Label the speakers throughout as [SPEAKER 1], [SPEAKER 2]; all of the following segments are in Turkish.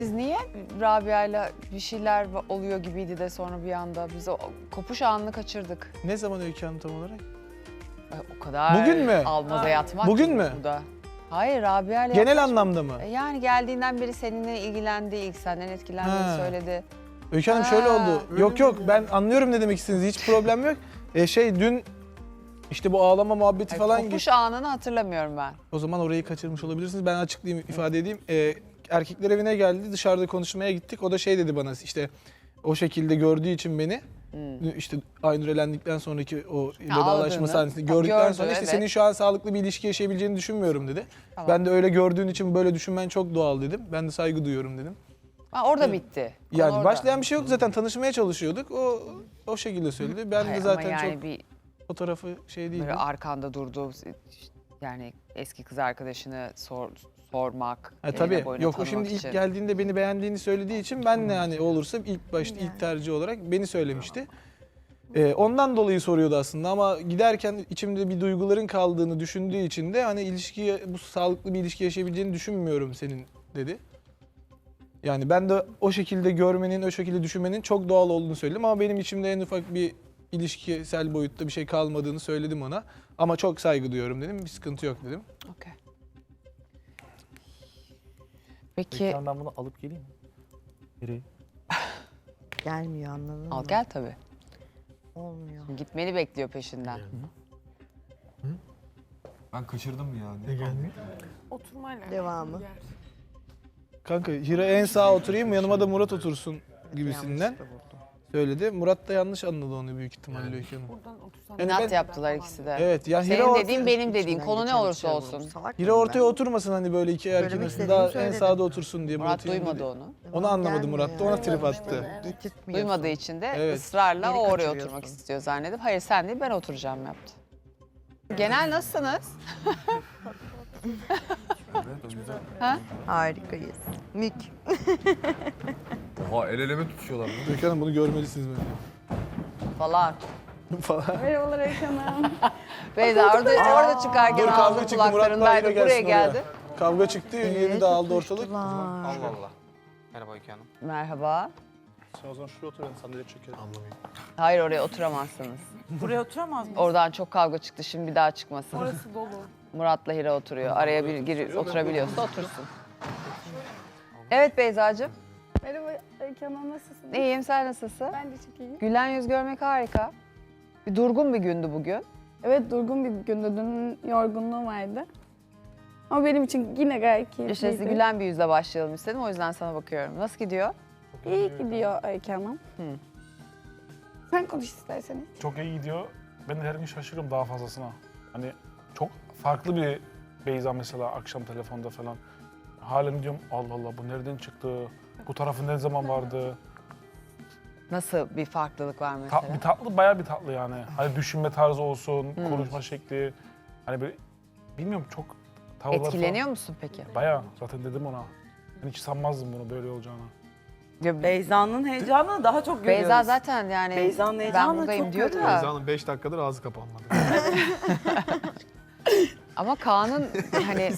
[SPEAKER 1] Siz niye Rabia'yla bir şeyler oluyor gibiydi de sonra bir anda biz o kopuş anını kaçırdık.
[SPEAKER 2] Ne zaman Öykü Hanım tam olarak?
[SPEAKER 1] O kadar
[SPEAKER 2] Bugün mü?
[SPEAKER 1] almaza yatmak
[SPEAKER 2] Bugün
[SPEAKER 1] ki
[SPEAKER 2] mü?
[SPEAKER 1] burada. Hayır Rabia'yla
[SPEAKER 2] Genel
[SPEAKER 1] yaklaşık-
[SPEAKER 2] anlamda mı?
[SPEAKER 1] Yani geldiğinden beri seninle ilgilendi, ilk senden etkilendiğini
[SPEAKER 2] Ha.
[SPEAKER 1] söyledi.
[SPEAKER 2] Öykü Hanım şöyle
[SPEAKER 1] Ha,
[SPEAKER 2] oldu.
[SPEAKER 1] öyle
[SPEAKER 2] Yok yok ben anlıyorum ne demek istediğinizi. Hiç problem yok. Dün işte bu ağlama muhabbeti falan
[SPEAKER 1] Kopuş anını hatırlamıyorum ben.
[SPEAKER 2] O zaman orayı kaçırmış olabilirsiniz. Ben açıklayayım, ifade edeyim. Erkekler evine geldi, dışarıda konuşmaya gittik. O da şey dedi bana işte o şekilde gördüğü için beni işte Aynur elendikten sonraki o vedalaşma
[SPEAKER 1] ağladığını.
[SPEAKER 2] sahnesini
[SPEAKER 1] Ha,
[SPEAKER 2] gördükten
[SPEAKER 1] gördü,
[SPEAKER 2] sonra işte
[SPEAKER 1] evet.
[SPEAKER 2] senin şu an sağlıklı bir ilişki yaşayabileceğini düşünmüyorum dedi.
[SPEAKER 1] Tamam.
[SPEAKER 2] Ben de öyle gördüğün için böyle düşünmen çok doğal dedim. Ben de saygı duyuyorum dedim.
[SPEAKER 1] Ha, orada bitti. Konu
[SPEAKER 2] Yani
[SPEAKER 1] orada.
[SPEAKER 2] başlayan bir şey yok zaten tanışmaya çalışıyorduk. O şekilde söyledi. Ben
[SPEAKER 1] Hayır,
[SPEAKER 2] de zaten
[SPEAKER 1] ama yani
[SPEAKER 2] çok
[SPEAKER 1] bir
[SPEAKER 2] fotoğrafı şey değil.
[SPEAKER 1] böyle arkanda durduğu yani eski kız arkadaşını sormak. eline
[SPEAKER 2] Tabii
[SPEAKER 1] boyuna
[SPEAKER 2] yok o
[SPEAKER 1] tanımak
[SPEAKER 2] şimdi ilk
[SPEAKER 1] için.
[SPEAKER 2] geldiğinde beni beğendiğini söylediği için ben de hani olursa ilk başta ilk tercih olarak beni söylemişti. Ondan dolayı soruyordu aslında ama giderken içimde bir duyguların kaldığını düşündüğü için de hani bu sağlıklı bir ilişki yaşayabileceğini düşünmüyorum senin dedi. Yani ben de o şekilde görmenin, o şekilde düşünmenin çok doğal olduğunu söyledim ama benim içimde en ufak bir ilişkisel boyutta bir şey kalmadığını söyledim ona. Ama çok saygı duyuyorum dedim, bir sıkıntı yok dedim.
[SPEAKER 1] Okey. Peki
[SPEAKER 3] Peki ben bunu alıp geleyim mi? Nereye?
[SPEAKER 4] Gelmiyor anladın mı?
[SPEAKER 1] al gel tabii.
[SPEAKER 4] Olmuyor.
[SPEAKER 1] Gitmeni bekliyor peşinden.
[SPEAKER 5] Ben kaçırdım ya.
[SPEAKER 2] Ne geldi?
[SPEAKER 6] Oturmayla.
[SPEAKER 4] Devamı.
[SPEAKER 6] Yer.
[SPEAKER 2] Kanka Hira en sağa oturayım yanıma da Murat otursun gibisinden
[SPEAKER 4] Yanlışlıkla vurdum.
[SPEAKER 2] söyledi. Murat da yanlış anladı onu büyük ihtimalle Öykü Hanım.
[SPEAKER 6] Buradan otursan.
[SPEAKER 2] Yani
[SPEAKER 1] İnat
[SPEAKER 2] ben-
[SPEAKER 1] yaptılar ikisi de.
[SPEAKER 2] Evet ya Hira,
[SPEAKER 1] Senin dediğin benim dediğim
[SPEAKER 4] İçinden
[SPEAKER 1] konu ne
[SPEAKER 4] geçen
[SPEAKER 1] olursa
[SPEAKER 4] içeri vurdum.
[SPEAKER 1] olsun.
[SPEAKER 4] Salak
[SPEAKER 2] Hira
[SPEAKER 4] mıyım
[SPEAKER 2] ortaya
[SPEAKER 4] ben?
[SPEAKER 2] oturmasın hani böyle iki erkeğin
[SPEAKER 4] Söylemek
[SPEAKER 2] arasında
[SPEAKER 4] istediğimi
[SPEAKER 2] daha en
[SPEAKER 4] söyledim.
[SPEAKER 2] sağda otursun diye
[SPEAKER 1] Murat
[SPEAKER 2] Murat'ın
[SPEAKER 1] duymadı
[SPEAKER 2] dedi.
[SPEAKER 1] onu.
[SPEAKER 2] Onu anlamadı Murat da ona
[SPEAKER 4] Gelmiyor
[SPEAKER 2] trip attı.
[SPEAKER 4] Gitmiyorsun.
[SPEAKER 1] Duymadığı için de
[SPEAKER 2] Evet.
[SPEAKER 1] ısrarla
[SPEAKER 4] Beni
[SPEAKER 1] o oraya
[SPEAKER 4] kaçırıyorsun.
[SPEAKER 1] oturmak istiyor zannedip hayır sen değil ben oturacağım yaptı. Genel nasılsınız?
[SPEAKER 5] Evet, o güzel.
[SPEAKER 4] Harikayız. Mük.
[SPEAKER 5] Oha el ele mi tutuşuyorlar lan?
[SPEAKER 2] Öykü Hanım bunu görmelisiniz bence.
[SPEAKER 1] Falan.
[SPEAKER 2] Falan.
[SPEAKER 6] Merhabalar Öykü Hanım.
[SPEAKER 1] Beyza orada çıkarken
[SPEAKER 2] Dur kavga
[SPEAKER 1] ağzı
[SPEAKER 2] çıktı Murat'la Hira
[SPEAKER 1] kulaklarındaydı buraya
[SPEAKER 2] gelsin
[SPEAKER 1] geldi.
[SPEAKER 2] oraya. Kavga çıktı yeni dağıldı ortalık.
[SPEAKER 4] Allah.
[SPEAKER 7] Allah. Merhaba Öykü Hanım.
[SPEAKER 1] Merhaba.
[SPEAKER 3] Sen o zaman şuraya otur ben sandalye çekerim. Anlamayayım.
[SPEAKER 1] Hayır oraya oturamazsınız.
[SPEAKER 6] Buraya oturamaz mısın?
[SPEAKER 1] Oradan çok kavga çıktı şimdi bir daha çıkmasın.
[SPEAKER 6] Orası dolu.
[SPEAKER 1] Murat'la Hira oturuyor. Araya bir girip oturabiliyorsa otursun. Evet Beyzacığım.
[SPEAKER 6] Merhaba Öykü Hanım nasılsınız?
[SPEAKER 1] İyiyim sen nasılsın?
[SPEAKER 6] Ben de çok iyiyim.
[SPEAKER 1] Gülen yüz görmek harika. Bir durgun bir gündü bugün.
[SPEAKER 6] Evet durgun bir gündü. Dün yorgunluğum vardı. Ama benim için yine gayet keyifliydi.
[SPEAKER 1] İşte gülen bir yüzle başlayalım istedim o yüzden sana bakıyorum. Nasıl gidiyor?
[SPEAKER 6] İyi gidiyor Öykü Hanım.
[SPEAKER 1] Hı.
[SPEAKER 6] Sen konuş isterseniz.
[SPEAKER 3] Çok iyi gidiyor. Ben de her gün şaşırıyorum daha fazlasına. Hani çok farklı bir Beyza mesela akşam telefonda falan. Halen diyorum Allah Allah bu nereden çıktı? Bu tarafı ne zaman vardı?
[SPEAKER 1] Nasıl bir farklılık var mesela?
[SPEAKER 3] Bir tatlı, bayağı bir tatlı yani. Hani düşünme tarzı olsun, konuşma şekli. Hani böyle bilmiyorum çok tavırlar
[SPEAKER 1] Etkileniyor musun peki?
[SPEAKER 3] falan. Bayağı zaten dedim ona. Ben hiç sanmazdım bunu böyle olacağını.
[SPEAKER 8] Beyza'nın heyecanını daha çok görüyoruz.
[SPEAKER 1] Beyza zaten yani
[SPEAKER 8] Beyza'nın
[SPEAKER 1] ben
[SPEAKER 8] heyecanını
[SPEAKER 1] buradayım
[SPEAKER 8] çok
[SPEAKER 1] diyor
[SPEAKER 8] görüyoruz.
[SPEAKER 1] da.
[SPEAKER 2] Hanım 5 dakikadır ağzı kapanmadı.
[SPEAKER 1] Ama Kaan'ın hani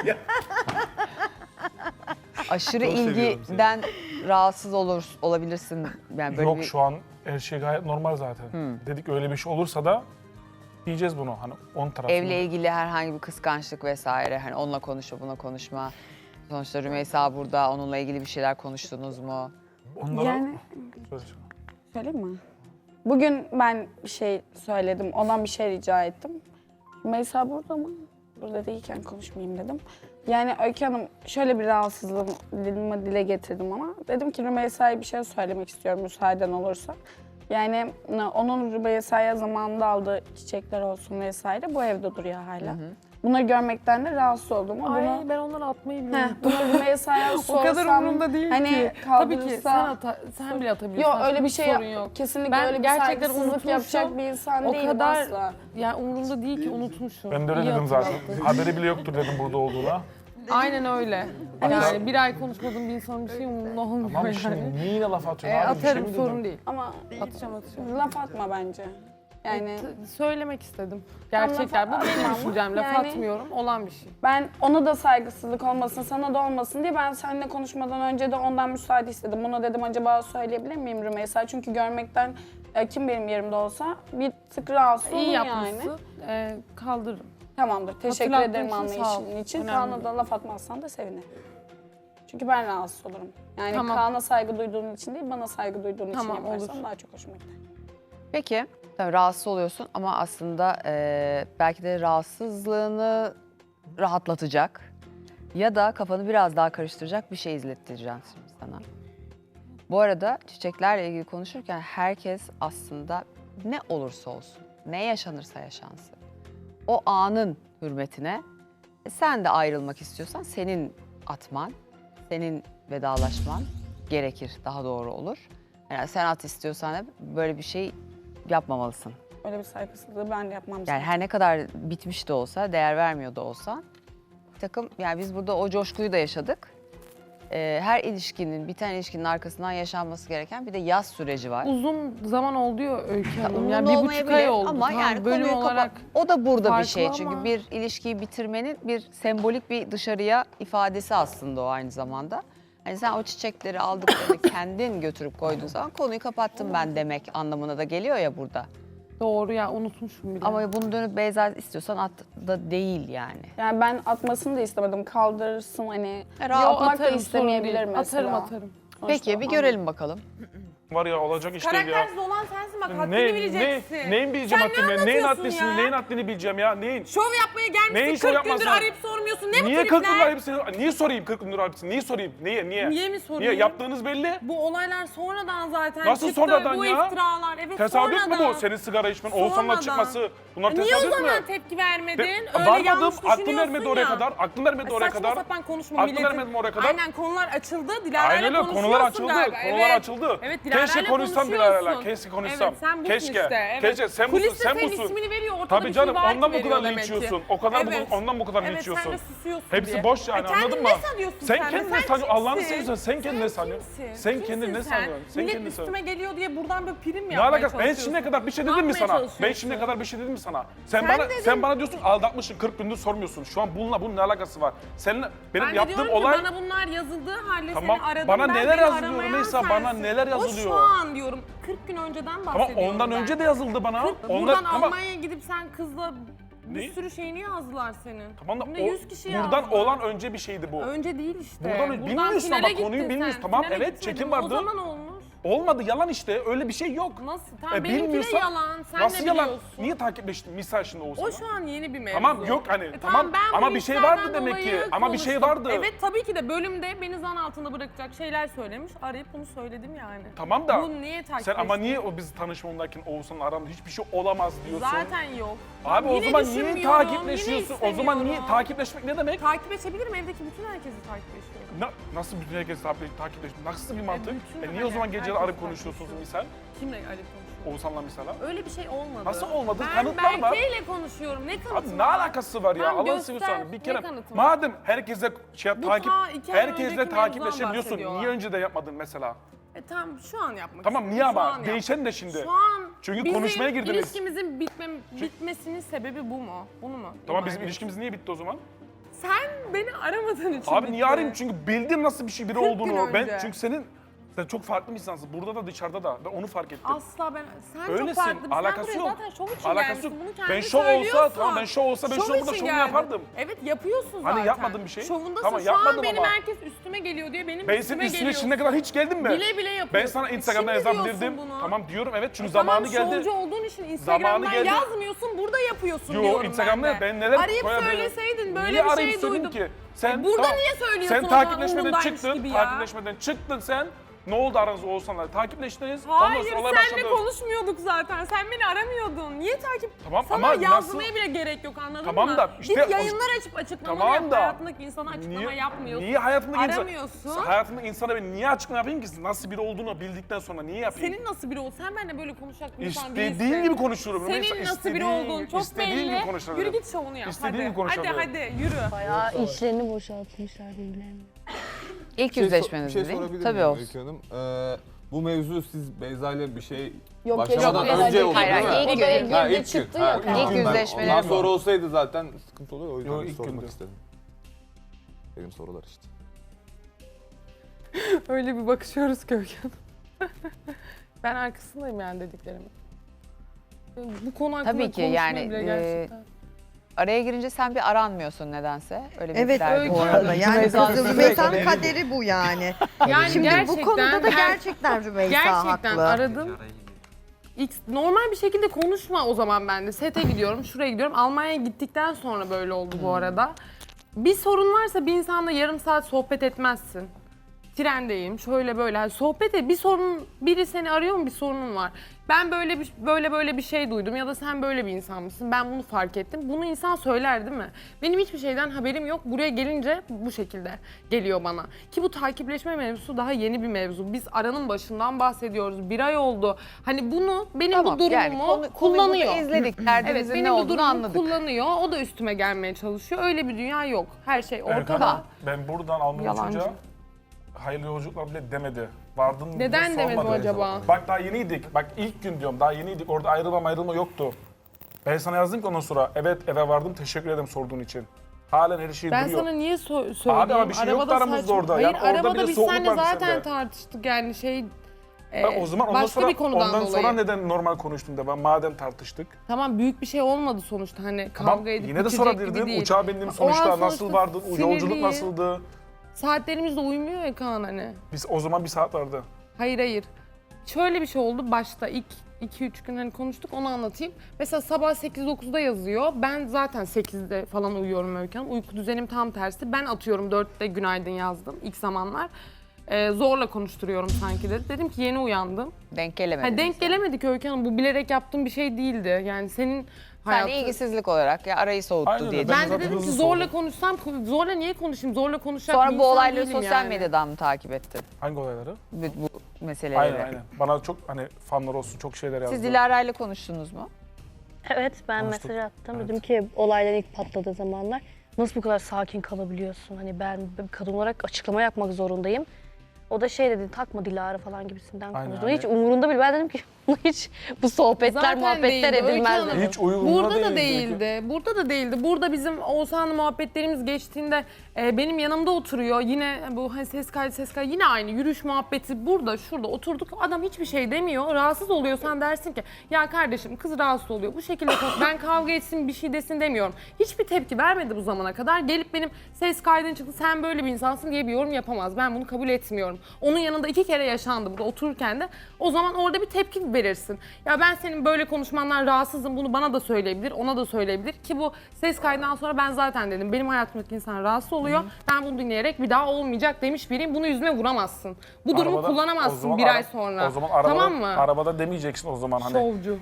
[SPEAKER 1] aşırı
[SPEAKER 2] Çok seviyorum
[SPEAKER 1] ilgiden rahatsız olabilirsin. Yani böyle
[SPEAKER 3] Yok
[SPEAKER 1] bir
[SPEAKER 3] şu an her şey gayet normal zaten. Dedik öyle bir şey olursa da diyeceğiz bunu hani 10 tarafından.
[SPEAKER 1] evle ilgili herhangi bir kıskançlık vesaire hani onunla konuşma buna konuşma. Sonuçta Rümeysa burada onunla ilgili bir şeyler konuştunuz mu?
[SPEAKER 3] Onlara...
[SPEAKER 6] Yani
[SPEAKER 3] Söyle.
[SPEAKER 6] söyleyeyim mi? Bugün ben bir şey söyledim. Ondan bir şey rica ettim. Meysa burada mı? Burada değilken konuşmayayım dedim. Yani Öykü Hanım şöyle bir rahatsızlığımı dile getirdim ama dedim ki Rümeysa'ya bir şey söylemek istiyorum müsaaden olursa. Yani onun Rümeysa'ya zamanında aldığı çiçekler olsun vesaire bu evde duruyor hala. Bunları görmekten de rahatsız oldum. Ama bunu,
[SPEAKER 9] Ben onları atmayı bile
[SPEAKER 6] heh,
[SPEAKER 9] unuttum.
[SPEAKER 6] bunu Rümeysa'ya
[SPEAKER 9] O
[SPEAKER 6] sorsam,
[SPEAKER 9] kadar umurumda değil
[SPEAKER 6] hani
[SPEAKER 9] ki.
[SPEAKER 6] kaldırırsa...
[SPEAKER 9] Tabii ki sen bile atabilirsin.
[SPEAKER 6] Yok öyle bir
[SPEAKER 9] Hiç
[SPEAKER 6] şey
[SPEAKER 9] sorun yok.
[SPEAKER 6] kesinlikle
[SPEAKER 9] Ben
[SPEAKER 6] öyle bir
[SPEAKER 9] gerçekten
[SPEAKER 6] saygısızlık
[SPEAKER 9] unutmuşum.
[SPEAKER 6] yapacak bir insan
[SPEAKER 9] O
[SPEAKER 6] değilim
[SPEAKER 9] kadar
[SPEAKER 6] asla.
[SPEAKER 9] yani umurumda değil ki unutmuşum.
[SPEAKER 3] Ben de öyle
[SPEAKER 9] İyi
[SPEAKER 3] dedim zaten.
[SPEAKER 9] hatırlattın.
[SPEAKER 3] Haberi bile yoktur dedim burada olduğuna.
[SPEAKER 9] Aynen öyle. Yani bir ay konuşmadığım bir insanın bir şey umurumda olmuyor
[SPEAKER 3] Tamam şimdi
[SPEAKER 9] yani.
[SPEAKER 3] niye yine laf atıyorsun abi? Bir şey
[SPEAKER 9] Atarım
[SPEAKER 3] mi
[SPEAKER 9] sorun
[SPEAKER 3] dedim?
[SPEAKER 9] değil.
[SPEAKER 6] Ama
[SPEAKER 9] Atacağım.
[SPEAKER 6] laf atma bence. Yani
[SPEAKER 9] Söylemek istedim. Gerçekler. Bu benim
[SPEAKER 6] Tamam.
[SPEAKER 9] düşüncem. Laf
[SPEAKER 6] Yani-
[SPEAKER 9] atmıyorum. Olan bir şey.
[SPEAKER 6] ben ona da saygısızlık olmasın, sana da olmasın diye ben seninle konuşmadan önce de ondan müsaade istedim. Buna dedim acaba söyleyebilir miyim Rümeysa? Çünkü görmekten kim benim yerimde olsa bir tık rahatsız
[SPEAKER 9] İyi
[SPEAKER 6] olurum yani.
[SPEAKER 9] yapmışsın. Kaldırırım.
[SPEAKER 6] Tamamdır. Teşekkür
[SPEAKER 9] Hatırlattığın
[SPEAKER 6] ederim
[SPEAKER 9] için sağ ol.
[SPEAKER 6] anlayışın için.
[SPEAKER 9] Önemli
[SPEAKER 6] Kaan'a
[SPEAKER 9] değil.
[SPEAKER 6] da laf atmazsan da sevinirim. Çünkü ben rahatsız olurum. Yani
[SPEAKER 9] Tamam.
[SPEAKER 6] Kaan'a saygı duyduğun için değil, bana saygı duyduğun için
[SPEAKER 9] Tamam,
[SPEAKER 6] yaparsan
[SPEAKER 9] olur.
[SPEAKER 6] daha çok hoşuma gider.
[SPEAKER 1] Peki, tabii rahatsız oluyorsun ama aslında belki de rahatsızlığını rahatlatacak ya da kafanı biraz daha karıştıracak bir şey izlettireceğim şimdi sana. Bu arada çiçeklerle ilgili konuşurken herkes aslında ne olursa olsun, ne yaşanırsa yaşansın, o anın hürmetine sen de ayrılmak istiyorsan senin atman, senin vedalaşman gerekir, daha doğru olur. Yani sen at istiyorsan da böyle bir şey yapmamalısın.
[SPEAKER 6] Öyle bir saygısızlığı ben de yapmam
[SPEAKER 1] Yani
[SPEAKER 6] zaten.
[SPEAKER 1] her ne kadar bitmiş de olsa, değer vermiyor da olsan, bir takım, yani biz burada o coşkuyu da yaşadık. Her ilişkinin, biten ilişkinin arkasından yaşanması gereken bir de yaz süreci var.
[SPEAKER 9] Uzun zaman oldu ya Öykü Hanım.
[SPEAKER 1] Umurunda
[SPEAKER 9] Yani 1,5
[SPEAKER 1] olmayabilir
[SPEAKER 9] ay oldu.
[SPEAKER 1] ama
[SPEAKER 9] Tamam,
[SPEAKER 1] yani
[SPEAKER 9] bölüm
[SPEAKER 1] konuyu
[SPEAKER 9] olarak
[SPEAKER 1] o da burada bir
[SPEAKER 9] farklı
[SPEAKER 1] şey.
[SPEAKER 9] ama-
[SPEAKER 1] Çünkü bir ilişkiyi bitirmenin bir sembolik bir dışarıya ifadesi aslında o aynı zamanda. Hani sen o çiçekleri aldıklarını kendin götürüp koyduğun zaman konuyu kapattım ben demek anlamına da geliyor ya burada.
[SPEAKER 9] doğru ya unutmuşum bile.
[SPEAKER 1] Ama bunu dönüp Beyza istiyorsan at da değil yani.
[SPEAKER 6] Yani ben atmasını da istemedim. Kaldırırsın hani.
[SPEAKER 9] Yo,
[SPEAKER 6] Atmak da
[SPEAKER 9] atarım,
[SPEAKER 6] istemeyebilir
[SPEAKER 9] sorun değil.
[SPEAKER 6] mesela.
[SPEAKER 9] Atarım.
[SPEAKER 1] Peki bir görelim bakalım.
[SPEAKER 3] Var ya olacak iş değil ya.
[SPEAKER 10] Karaktersiz olan sensin bak haddini bileceksin.
[SPEAKER 3] Neyin bileceğim
[SPEAKER 10] Sen ne
[SPEAKER 3] haddini? Neyin
[SPEAKER 10] anlatıyorsun
[SPEAKER 3] haddini,
[SPEAKER 10] ya?
[SPEAKER 3] neyin haddini bileceğim ya? Neyin?
[SPEAKER 10] Şov yapmaya
[SPEAKER 3] Neyin
[SPEAKER 10] gelmişsin
[SPEAKER 3] şov
[SPEAKER 10] 40 gündür
[SPEAKER 3] yapmazsan?
[SPEAKER 10] arayıp sormuyorsun. Ne bu
[SPEAKER 3] Niye 40
[SPEAKER 10] tripler?
[SPEAKER 3] gündür hepsini? Niye sorayım 40 gündür hepsini? Niye sorayım? Niye?
[SPEAKER 10] Niye mi sorayım?
[SPEAKER 3] Niye? Yaptığınız belli.
[SPEAKER 10] Bu olaylar sonradan zaten
[SPEAKER 3] Nasıl
[SPEAKER 10] çıktı.
[SPEAKER 3] sonradan
[SPEAKER 10] bu
[SPEAKER 3] ya?
[SPEAKER 10] iftiralar. Evet
[SPEAKER 3] Tesadüf mü
[SPEAKER 10] sonradan.
[SPEAKER 3] bu? Senin sigara içmen, Oğuzhan'la
[SPEAKER 10] Sonradan.
[SPEAKER 3] çıkması. Bunlar
[SPEAKER 10] Niye o
[SPEAKER 3] tesadüf mü?
[SPEAKER 10] zaman tepki vermedin? Öyle
[SPEAKER 3] Varmadım.
[SPEAKER 10] yanlış
[SPEAKER 3] Aklım
[SPEAKER 10] düşünüyorsun
[SPEAKER 3] vermedi oraya
[SPEAKER 10] ya.
[SPEAKER 3] kadar. Aklım vermedi oraya
[SPEAKER 10] Saçma
[SPEAKER 3] kadar.
[SPEAKER 10] sapan konuşma
[SPEAKER 3] Aklım
[SPEAKER 10] milletin.
[SPEAKER 3] vermedim oraya kadar.
[SPEAKER 10] Aynen konular açıldı.
[SPEAKER 3] Aynen
[SPEAKER 10] Dilara'yla
[SPEAKER 3] öyle.
[SPEAKER 10] konuşuyorsun
[SPEAKER 3] Konular açıldı.
[SPEAKER 10] galiba.
[SPEAKER 3] Konular
[SPEAKER 10] Evet.
[SPEAKER 3] açıldı.
[SPEAKER 10] Evet Dilara'yla
[SPEAKER 3] Keşke konuşsam
[SPEAKER 10] konuşuyorsun.
[SPEAKER 3] Dilara'yla. Keşke konuşsam.
[SPEAKER 10] Evet sen busun
[SPEAKER 3] Keşke.
[SPEAKER 10] işte. Evet.
[SPEAKER 3] Keşke. Sen busun.
[SPEAKER 10] Kuliste
[SPEAKER 3] Sen
[SPEAKER 10] senin
[SPEAKER 3] busun.
[SPEAKER 10] ismini veriyor. Ortada
[SPEAKER 3] Tabii
[SPEAKER 10] bir
[SPEAKER 3] canım.
[SPEAKER 10] şey var
[SPEAKER 3] Ondan
[SPEAKER 10] ki
[SPEAKER 3] bu kadar
[SPEAKER 10] veriyor
[SPEAKER 3] ne
[SPEAKER 10] demek ki.
[SPEAKER 3] içiyorsun? O kadar
[SPEAKER 10] Evet.
[SPEAKER 3] ondan bu kadar ne
[SPEAKER 10] Evet
[SPEAKER 3] içiyorsun?
[SPEAKER 10] sen de susuyorsun
[SPEAKER 3] Hepsi
[SPEAKER 10] diye.
[SPEAKER 3] boş yani
[SPEAKER 10] Kendini
[SPEAKER 3] anladın mı?
[SPEAKER 10] ne sanıyorsun
[SPEAKER 3] Sen
[SPEAKER 10] sen?
[SPEAKER 3] kendini
[SPEAKER 10] Sen
[SPEAKER 3] ne sanıyorsun? Allah'ını
[SPEAKER 10] kimsin?
[SPEAKER 3] seviyorsan sen kendini ne sanıyorsun?
[SPEAKER 10] Kimsin?
[SPEAKER 3] Sen
[SPEAKER 10] Kimsin
[SPEAKER 3] kendini ne
[SPEAKER 10] sen?
[SPEAKER 3] sanıyorsun? Sen
[SPEAKER 10] Millet
[SPEAKER 3] kendini
[SPEAKER 10] üstüme
[SPEAKER 3] sanıyorsun.
[SPEAKER 10] geliyor diye buradan böyle prim mi
[SPEAKER 3] Ne
[SPEAKER 10] yapmaya
[SPEAKER 3] alakası? Ben
[SPEAKER 10] çalışıyorsun?
[SPEAKER 3] şimdiye kadar bir şey
[SPEAKER 10] Ne
[SPEAKER 3] dedim mi
[SPEAKER 10] yapmaya
[SPEAKER 3] sana? Ben
[SPEAKER 10] çalışıyorsun?
[SPEAKER 3] şimdiye kadar bir şey dedim mi sana? Sen
[SPEAKER 10] Sen
[SPEAKER 3] bana
[SPEAKER 10] dedin.
[SPEAKER 3] sen bana diyorsun aldatmışsın 40 gündür sormuyorsun. Şu an bunun ne alakası var? Seninle benim
[SPEAKER 10] Ben de
[SPEAKER 3] yaptığım
[SPEAKER 10] diyorum ki
[SPEAKER 3] olay
[SPEAKER 10] bana bunlar yazıldığı halde
[SPEAKER 3] Tamam,
[SPEAKER 10] seni aradım.
[SPEAKER 3] bana
[SPEAKER 10] ben,
[SPEAKER 3] neler
[SPEAKER 10] beni
[SPEAKER 3] yazılıyor
[SPEAKER 10] aramayan
[SPEAKER 3] Rümeysa, bana
[SPEAKER 10] sensin.
[SPEAKER 3] neler
[SPEAKER 10] O
[SPEAKER 3] yazılıyor?
[SPEAKER 10] şu an diyorum 40 gün önceden
[SPEAKER 3] ama
[SPEAKER 10] bahsediyorum
[SPEAKER 3] ondan
[SPEAKER 10] ben.
[SPEAKER 3] önce de yazıldı bana.
[SPEAKER 10] Buradan
[SPEAKER 3] tamam.
[SPEAKER 10] Almanya'ya gidip sen kızla
[SPEAKER 3] Ne?
[SPEAKER 10] bir sürü şeyini yazdılar senin.
[SPEAKER 3] Tamam da
[SPEAKER 10] Günde 100 kişi
[SPEAKER 3] buradan
[SPEAKER 10] yazdılar.
[SPEAKER 3] olan önce bir şeydi bu.
[SPEAKER 10] Önce değil işte.
[SPEAKER 3] Buradan bilmiyorsun
[SPEAKER 10] finale
[SPEAKER 3] ama konuyu
[SPEAKER 10] gittin
[SPEAKER 3] bilmiyorsun.
[SPEAKER 10] sen.
[SPEAKER 3] Tamam,
[SPEAKER 10] Finale
[SPEAKER 3] evet,
[SPEAKER 10] gitmedin.
[SPEAKER 3] çekim vardı.
[SPEAKER 10] O zaman olmuş.
[SPEAKER 3] Olmadı yalan işte öyle bir şey yok.
[SPEAKER 10] Nasıl? Tamam benimki de
[SPEAKER 3] bilmiyorsan-
[SPEAKER 10] yalan. Sen
[SPEAKER 3] Nasıl
[SPEAKER 10] de
[SPEAKER 3] yalan?
[SPEAKER 10] biliyorsun.
[SPEAKER 3] Niye takipleştin misal şimdi Oğuzhan'la?
[SPEAKER 10] O şu an yeni bir mevzu.
[SPEAKER 3] Tamam yok hani tamam
[SPEAKER 10] ben
[SPEAKER 3] ama
[SPEAKER 10] bu
[SPEAKER 3] bir şey
[SPEAKER 10] işlerden
[SPEAKER 3] vardı demek ki.
[SPEAKER 10] dolayı
[SPEAKER 3] Ama bir şey
[SPEAKER 10] konuştum.
[SPEAKER 3] vardı.
[SPEAKER 10] Evet tabii ki de bölümde beni zan altında bırakacak şeyler söylemiş. Arayıp bunu söyledim yani.
[SPEAKER 3] Tamam da
[SPEAKER 10] Bu niye takip
[SPEAKER 3] sen ama
[SPEAKER 10] ettin?
[SPEAKER 3] niye o biz tanışmamdayken Oğuzhan'la aramda hiçbir şey olamaz diyorsun?
[SPEAKER 10] Zaten yok.
[SPEAKER 3] Abi o
[SPEAKER 10] Yine
[SPEAKER 3] zaman niye
[SPEAKER 10] düşünmüyorum,
[SPEAKER 3] takipleşiyorsun?
[SPEAKER 10] yine
[SPEAKER 3] O zaman niye
[SPEAKER 10] istemiyorum.
[SPEAKER 3] takipleşmek ne demek?
[SPEAKER 10] Takipleşebilirim evdeki bütün herkesi takipleşiyorum.
[SPEAKER 3] Nasıl bütün herkes takipleşmek? Nasıl bir mantık?
[SPEAKER 10] bütün
[SPEAKER 3] Niye o
[SPEAKER 10] hani
[SPEAKER 3] zaman geceleri
[SPEAKER 10] herkes
[SPEAKER 3] arayıp konuşuyorsunuz misal?
[SPEAKER 10] Kimle arayıp konuşuyorum?
[SPEAKER 3] Oğuzhan'la mesela.
[SPEAKER 10] Öyle bir şey olmadı.
[SPEAKER 3] Nasıl olmadı?
[SPEAKER 10] Ben
[SPEAKER 3] Kanıtlar var.
[SPEAKER 10] Berke ile konuşuyorum. Ne kanıtı
[SPEAKER 3] Abi ne
[SPEAKER 10] var?
[SPEAKER 3] alakası var ya?
[SPEAKER 10] Tamam,
[SPEAKER 3] Allah'ını
[SPEAKER 10] göster.
[SPEAKER 3] seviyorsan bir
[SPEAKER 10] Ne
[SPEAKER 3] kere.
[SPEAKER 10] kanıtı var?
[SPEAKER 3] Madem herkesle
[SPEAKER 10] Bu ta 2 ay
[SPEAKER 3] herkesle
[SPEAKER 10] önceki
[SPEAKER 3] takipleşebiliyorsun.
[SPEAKER 10] mevzudan
[SPEAKER 3] Niye önce de yapmadın mesela?
[SPEAKER 10] Tamam şu an yapmak
[SPEAKER 3] Tamam niye
[SPEAKER 10] istiyorum. Şu
[SPEAKER 3] ama?
[SPEAKER 10] an
[SPEAKER 3] Değişen de şimdi.
[SPEAKER 10] Şu an
[SPEAKER 3] Çünkü
[SPEAKER 10] bizim
[SPEAKER 3] konuşmaya girdiniz.
[SPEAKER 10] ilişkimizin bitmesinin sebebi bu mu? Bunu mu?
[SPEAKER 3] Tamam
[SPEAKER 10] ima
[SPEAKER 3] bizim
[SPEAKER 10] ediyorsun?
[SPEAKER 3] ilişkimiz niye bitti o zaman?
[SPEAKER 10] Sen beni aramadığın için
[SPEAKER 3] Abi niye
[SPEAKER 10] bitti.
[SPEAKER 3] arayayım? Çünkü bildim nasıl bir şey biri
[SPEAKER 10] 40 gün
[SPEAKER 3] olduğunu. Ben
[SPEAKER 10] önce.
[SPEAKER 3] çünkü sen çok farklı bir insansın. Burada da dışarıda da. Ben onu fark ettim.
[SPEAKER 10] Asla ben... Sen
[SPEAKER 3] Öylesin.
[SPEAKER 10] çok farklı.
[SPEAKER 3] Alakası
[SPEAKER 10] sen buraya
[SPEAKER 3] yok.
[SPEAKER 10] zaten şov için
[SPEAKER 3] Alakası
[SPEAKER 10] gelmişsin.
[SPEAKER 3] yok.
[SPEAKER 10] Bunu kendin
[SPEAKER 3] Ben şov olsa
[SPEAKER 10] söylüyorsun.
[SPEAKER 3] tamam ben şov olsa ben
[SPEAKER 10] Şov
[SPEAKER 3] şov burada
[SPEAKER 10] için
[SPEAKER 3] şovunu
[SPEAKER 10] geldin.
[SPEAKER 3] yapardım.
[SPEAKER 10] Evet yapıyorsun
[SPEAKER 3] Hani
[SPEAKER 10] zaten.
[SPEAKER 3] yapmadığım bir şey.
[SPEAKER 10] Şovundasın.
[SPEAKER 3] Tamam,
[SPEAKER 10] Şu an
[SPEAKER 3] yapmadım
[SPEAKER 10] benim
[SPEAKER 3] ama.
[SPEAKER 10] herkes üstüme geliyor diye benim
[SPEAKER 3] Ben
[SPEAKER 10] üstüme
[SPEAKER 3] senin üstüne
[SPEAKER 10] geliyorsun.
[SPEAKER 3] şimdiye kadar hiç geldim mi?
[SPEAKER 10] Bile bile
[SPEAKER 3] Ben
[SPEAKER 10] yapıyorsun.
[SPEAKER 3] sana Instagram'da
[SPEAKER 10] Şimdi
[SPEAKER 3] yazabilirdim.
[SPEAKER 10] diyorsun bunu.
[SPEAKER 3] Tamam diyorum evet çünkü
[SPEAKER 10] Tamam,
[SPEAKER 3] zamanı geldi.
[SPEAKER 10] şovcu olduğun için Instagram'dan
[SPEAKER 3] geldi.
[SPEAKER 10] yazmıyorsun, burada yapıyorsun
[SPEAKER 3] Yo
[SPEAKER 10] diyorum
[SPEAKER 3] Instagram'da
[SPEAKER 10] ben de.
[SPEAKER 3] ben neler
[SPEAKER 10] Arayıp
[SPEAKER 3] koyabilirim?
[SPEAKER 10] söyleseydin böyle
[SPEAKER 3] Niye
[SPEAKER 10] bir
[SPEAKER 3] arayıp
[SPEAKER 10] şey
[SPEAKER 3] söyleyeyim
[SPEAKER 10] duydum.
[SPEAKER 3] ki? Sen
[SPEAKER 10] Burada
[SPEAKER 3] tamam,
[SPEAKER 10] niye söylüyorsun
[SPEAKER 3] sen
[SPEAKER 10] o zaman
[SPEAKER 3] takipleşmeden
[SPEAKER 10] umurumdaymış
[SPEAKER 3] çıktın,
[SPEAKER 10] gibi ya?
[SPEAKER 3] takipleşmeden çıktın sen. Ne oldu aranızda Oğuzhan'la? Takipleştiniz.
[SPEAKER 10] Hayır
[SPEAKER 3] ondan sonra olay
[SPEAKER 10] senle
[SPEAKER 3] başladı.
[SPEAKER 10] konuşmuyorduk zaten. Sen beni aramıyordun. Niye takip?
[SPEAKER 3] Tamam,
[SPEAKER 10] Sana
[SPEAKER 3] ama
[SPEAKER 10] yazmaya
[SPEAKER 3] nasıl-
[SPEAKER 10] bile gerek yok anladın
[SPEAKER 3] Tamam
[SPEAKER 10] mı?
[SPEAKER 3] da işte
[SPEAKER 10] Git
[SPEAKER 3] o-
[SPEAKER 10] yayınlar açıp açıklama
[SPEAKER 3] Tamam
[SPEAKER 10] yap.
[SPEAKER 3] da-
[SPEAKER 10] Hayatındaki insana açıklama yapmıyorsun.
[SPEAKER 3] Niye hayatındaki
[SPEAKER 10] Aramıyorsun.
[SPEAKER 3] hayatındaki insana ben niye açıklama yapayım ki? Nasıl biri olduğunu bildikten sonra niye yapayım?
[SPEAKER 10] Senin nasıl biri ol? Sen benimle böyle konuşacak bir insan değilsin.
[SPEAKER 3] İstediğin gibi konuşurum.
[SPEAKER 10] Senin
[SPEAKER 3] Rümeysa,
[SPEAKER 10] nasıl biri
[SPEAKER 3] istediğin-
[SPEAKER 10] olduğun çok
[SPEAKER 3] istediğin
[SPEAKER 10] belli.
[SPEAKER 3] gibi konuşabilirim.
[SPEAKER 10] Yürü git şovunu yap.
[SPEAKER 3] İstediğin gibi
[SPEAKER 10] Hadi
[SPEAKER 3] konuşabilirim.
[SPEAKER 10] hadi yürü.
[SPEAKER 6] Bayağı içlerini boşaltmışlar birbirlerine.
[SPEAKER 1] İlk
[SPEAKER 5] Bir
[SPEAKER 1] yüzleşmeniz
[SPEAKER 5] şey
[SPEAKER 1] değil mi?
[SPEAKER 5] sorabilir
[SPEAKER 1] Tabii
[SPEAKER 5] miyim
[SPEAKER 1] olsun.
[SPEAKER 5] Öykü Hanım? Bu mevzu siz Beyza ile bir şey
[SPEAKER 6] Yok,
[SPEAKER 5] başlamadan
[SPEAKER 6] yok,
[SPEAKER 5] önce
[SPEAKER 6] yok.
[SPEAKER 5] oldu
[SPEAKER 1] Hayır,
[SPEAKER 5] değil mi?
[SPEAKER 1] hayır, ilk
[SPEAKER 6] Odaya
[SPEAKER 1] gün.
[SPEAKER 6] girdi,
[SPEAKER 5] Ha, ilk
[SPEAKER 6] çıktı
[SPEAKER 5] gün.
[SPEAKER 6] ya.
[SPEAKER 5] Ha,
[SPEAKER 1] İlk
[SPEAKER 5] gün.
[SPEAKER 1] yüzleşmeleri
[SPEAKER 5] Ondan
[SPEAKER 1] bu.
[SPEAKER 5] sonra olsaydı zaten sıkıntı oluyor. O yüzden
[SPEAKER 3] Yok, ilk
[SPEAKER 5] sormak
[SPEAKER 3] gündü.
[SPEAKER 5] istedim. Benim sorular işte.
[SPEAKER 9] Öyle bir bakışıyoruz ki Öykü Hanım. Ben arkasındayım yani dediklerimin. Bu konu hakkında
[SPEAKER 1] Tabii ki,
[SPEAKER 9] konuşmaya
[SPEAKER 1] yani,
[SPEAKER 9] bile gerçekten.
[SPEAKER 1] Araya girince sen bir aranmıyorsun nedense. Öyle bir
[SPEAKER 4] Evet
[SPEAKER 1] derdi
[SPEAKER 4] bu
[SPEAKER 1] var.
[SPEAKER 4] arada. Yani
[SPEAKER 1] Rümeysa'nın
[SPEAKER 4] Rümeysa'nın
[SPEAKER 2] kaderi
[SPEAKER 4] kaderi bu yani.
[SPEAKER 10] Yani
[SPEAKER 4] Şimdi
[SPEAKER 10] gerçekten
[SPEAKER 4] bu konuda da
[SPEAKER 10] her-
[SPEAKER 4] gerçekten Rümeysa
[SPEAKER 10] gerçekten
[SPEAKER 4] haklı.
[SPEAKER 10] aradım. Normal bir şekilde konuşma o zaman ben de. Sete gidiyorum, şuraya gidiyorum. Almanya'ya gittikten sonra böyle oldu bu arada. Bir sorun varsa bir insanla yarım saat sohbet etmezsin. Trendeyim, şöyle böyle. Yani sohbet et. Bir sorun, biri seni arıyor mu, bir sorunun var. Ben böyle bir şey duydum ya da sen böyle bir insan mısın? Ben bunu fark ettim. Bunu insan söyler değil mi? Benim hiçbir şeyden haberim yok. Buraya gelince bu şekilde geliyor bana. Ki bu takipleşme mevzusu daha yeni bir mevzu. Biz aranın başından bahsediyoruz. 1 ay oldu. Hani bunu benim
[SPEAKER 1] Tamam,
[SPEAKER 10] bu durumumu
[SPEAKER 1] yani konuyu
[SPEAKER 10] kullanıyor.
[SPEAKER 1] burada izledik.
[SPEAKER 10] Evet,
[SPEAKER 1] Derdimizin
[SPEAKER 10] benim
[SPEAKER 1] ne
[SPEAKER 10] bu
[SPEAKER 1] olduğunu
[SPEAKER 10] durumumu
[SPEAKER 1] anladık.
[SPEAKER 10] kullanıyor. O da üstüme gelmeye çalışıyor. Öyle bir dünya yok. Her şey
[SPEAKER 3] Erkan,
[SPEAKER 10] ortada.
[SPEAKER 3] ben buradan almaya
[SPEAKER 10] Yalancı.
[SPEAKER 3] çocuğa hayırlı yolculuklar bile demedi. Vardın mı
[SPEAKER 10] Neden
[SPEAKER 3] diye
[SPEAKER 10] demedim
[SPEAKER 3] sormadı.
[SPEAKER 10] acaba?
[SPEAKER 3] Bak daha yeniydik. Bak ilk gün diyorum daha yeniydik. Orada ayrılma yoktu. Ben sana yazdım ki ondan sonra evet eve vardım teşekkür ederim sorduğun için. Halen her şey
[SPEAKER 10] Ben
[SPEAKER 3] duruyor.
[SPEAKER 10] sana niye söylüyorum?
[SPEAKER 3] Abi ama bir şey yoktu aramızda orada.
[SPEAKER 10] Hayır
[SPEAKER 3] Yani orada
[SPEAKER 10] arabada
[SPEAKER 3] bile
[SPEAKER 10] biz
[SPEAKER 3] soğukluk
[SPEAKER 10] seninle
[SPEAKER 3] vardı
[SPEAKER 10] zaten
[SPEAKER 3] sende.
[SPEAKER 10] tartıştık yani şey
[SPEAKER 3] O zaman ondan
[SPEAKER 10] başka
[SPEAKER 3] sonra,
[SPEAKER 10] bir konudan
[SPEAKER 3] ondan
[SPEAKER 10] dolayı.
[SPEAKER 3] sonra neden normal konuştun da ben madem tartıştık.
[SPEAKER 10] Tamam büyük bir şey olmadı sonuçta hani
[SPEAKER 3] Tamam
[SPEAKER 10] kavga edip
[SPEAKER 3] yine de
[SPEAKER 10] bitecek gibi
[SPEAKER 3] sorabilirdin.
[SPEAKER 10] değil.
[SPEAKER 3] Uçağa bindim
[SPEAKER 10] O an
[SPEAKER 3] sonuçta nasıl
[SPEAKER 10] sonuçta
[SPEAKER 3] vardın? Yolculuk
[SPEAKER 10] sinirliyim.
[SPEAKER 3] nasıldı?
[SPEAKER 10] Saatlerimiz de uymuyor ya Kaan hani.
[SPEAKER 3] Biz o zaman bir saat vardı.
[SPEAKER 10] Hayır. Şöyle bir şey oldu başta ilk 2-3 gün hani konuştuk onu anlatayım. Mesela sabah 8-9'da yazıyor. Ben zaten 8'de falan uyuyorum Öykü Hanım. Uyku düzenim tam tersi. Ben atıyorum 4'te günaydın yazdım ilk zamanlar. Zorla konuşturuyorum sanki dedi. Dedim ki yeni uyandım.
[SPEAKER 1] Denk gelemediniz.
[SPEAKER 10] Ha, denk gelemedik Öykü Hanım. Bu bilerek yaptığım bir şey değildi. Yani senin
[SPEAKER 1] Sen
[SPEAKER 10] hayatın...
[SPEAKER 1] ilgisizlik olarak ya arayı soğuttu
[SPEAKER 3] Aynen
[SPEAKER 1] diye.
[SPEAKER 3] öyle.
[SPEAKER 10] Ben de
[SPEAKER 3] zaten
[SPEAKER 10] dedim ki
[SPEAKER 3] hızlı
[SPEAKER 10] zorla
[SPEAKER 3] sordum.
[SPEAKER 10] konuşsam, zorla niye konuşayım? Zorla konuşacak bir
[SPEAKER 1] Sonra bu
[SPEAKER 10] insan
[SPEAKER 1] olayları
[SPEAKER 10] değilim
[SPEAKER 1] sosyal
[SPEAKER 10] yani.
[SPEAKER 1] medyadan mı takip ettin?
[SPEAKER 3] Hangi olayları?
[SPEAKER 1] Bu meseleleri.
[SPEAKER 3] Aynen. Bana çok hani fanlar olsun çok şeyler yazdı.
[SPEAKER 1] Siz Dilara ile konuştunuz mu?
[SPEAKER 11] Evet ben
[SPEAKER 3] Konuştuk.
[SPEAKER 11] mesaj attım.
[SPEAKER 3] Evet.
[SPEAKER 11] Dedim ki olayların ilk patladığı zamanlar nasıl bu kadar sakin kalabiliyorsun? Hani ben bir kadın olarak açıklama yapmak zorundayım. O da şey dedi takma Dilara falan gibisinden
[SPEAKER 3] Aynen,
[SPEAKER 11] konuştu.
[SPEAKER 3] hani-
[SPEAKER 11] Hiç umurunda bile. Ben dedim ki hiç bu sohbetler
[SPEAKER 10] Zaten
[SPEAKER 11] muhabbetler
[SPEAKER 10] değildi, Öykü
[SPEAKER 11] edilmez
[SPEAKER 10] Hanım.
[SPEAKER 11] dedim.
[SPEAKER 3] Hiç uygunluğuna
[SPEAKER 10] Burada da
[SPEAKER 3] değildi.
[SPEAKER 10] değildi. Burada da değildi. Burada bizim Oğuzhan'la muhabbetlerimiz geçtiğinde benim yanımda oturuyor. Yine bu hani ses kaydı yine aynı yürüyüş muhabbeti burada şurada oturduk. Adam hiçbir şey demiyor. Rahatsız oluyorsan dersin ki ya kardeşim kız rahatsız oluyor. Bu şekilde ben kavga etsin bir şey desin demiyorum. Hiçbir tepki vermedi bu zamana kadar. Gelip benim ses kaydın çıktı sen böyle bir insansın diye bir yorum yapamaz. Ben bunu kabul etmiyorum. Onun yanında 2 kere yaşandı burada otururken de. O zaman orada bir tepki verirsin. Ya ben senin böyle konuşmandan rahatsızım bunu bana da söyleyebilir, ona da söyleyebilir. Ki bu ses kaydından sonra ben zaten dedim benim hayatımdaki insan rahatsız oluyor. Ben bunu dinleyerek bir daha olmayacak demiş biriyim. Bunu yüzüme vuramazsın. Bu durumu
[SPEAKER 3] Arabada- o
[SPEAKER 10] kullanamazsın
[SPEAKER 3] zaman
[SPEAKER 10] bir ay sonra.
[SPEAKER 3] O zaman arabada,
[SPEAKER 10] tamam mı?
[SPEAKER 3] arabada demeyeceksin o zaman hani.
[SPEAKER 10] Şovcu.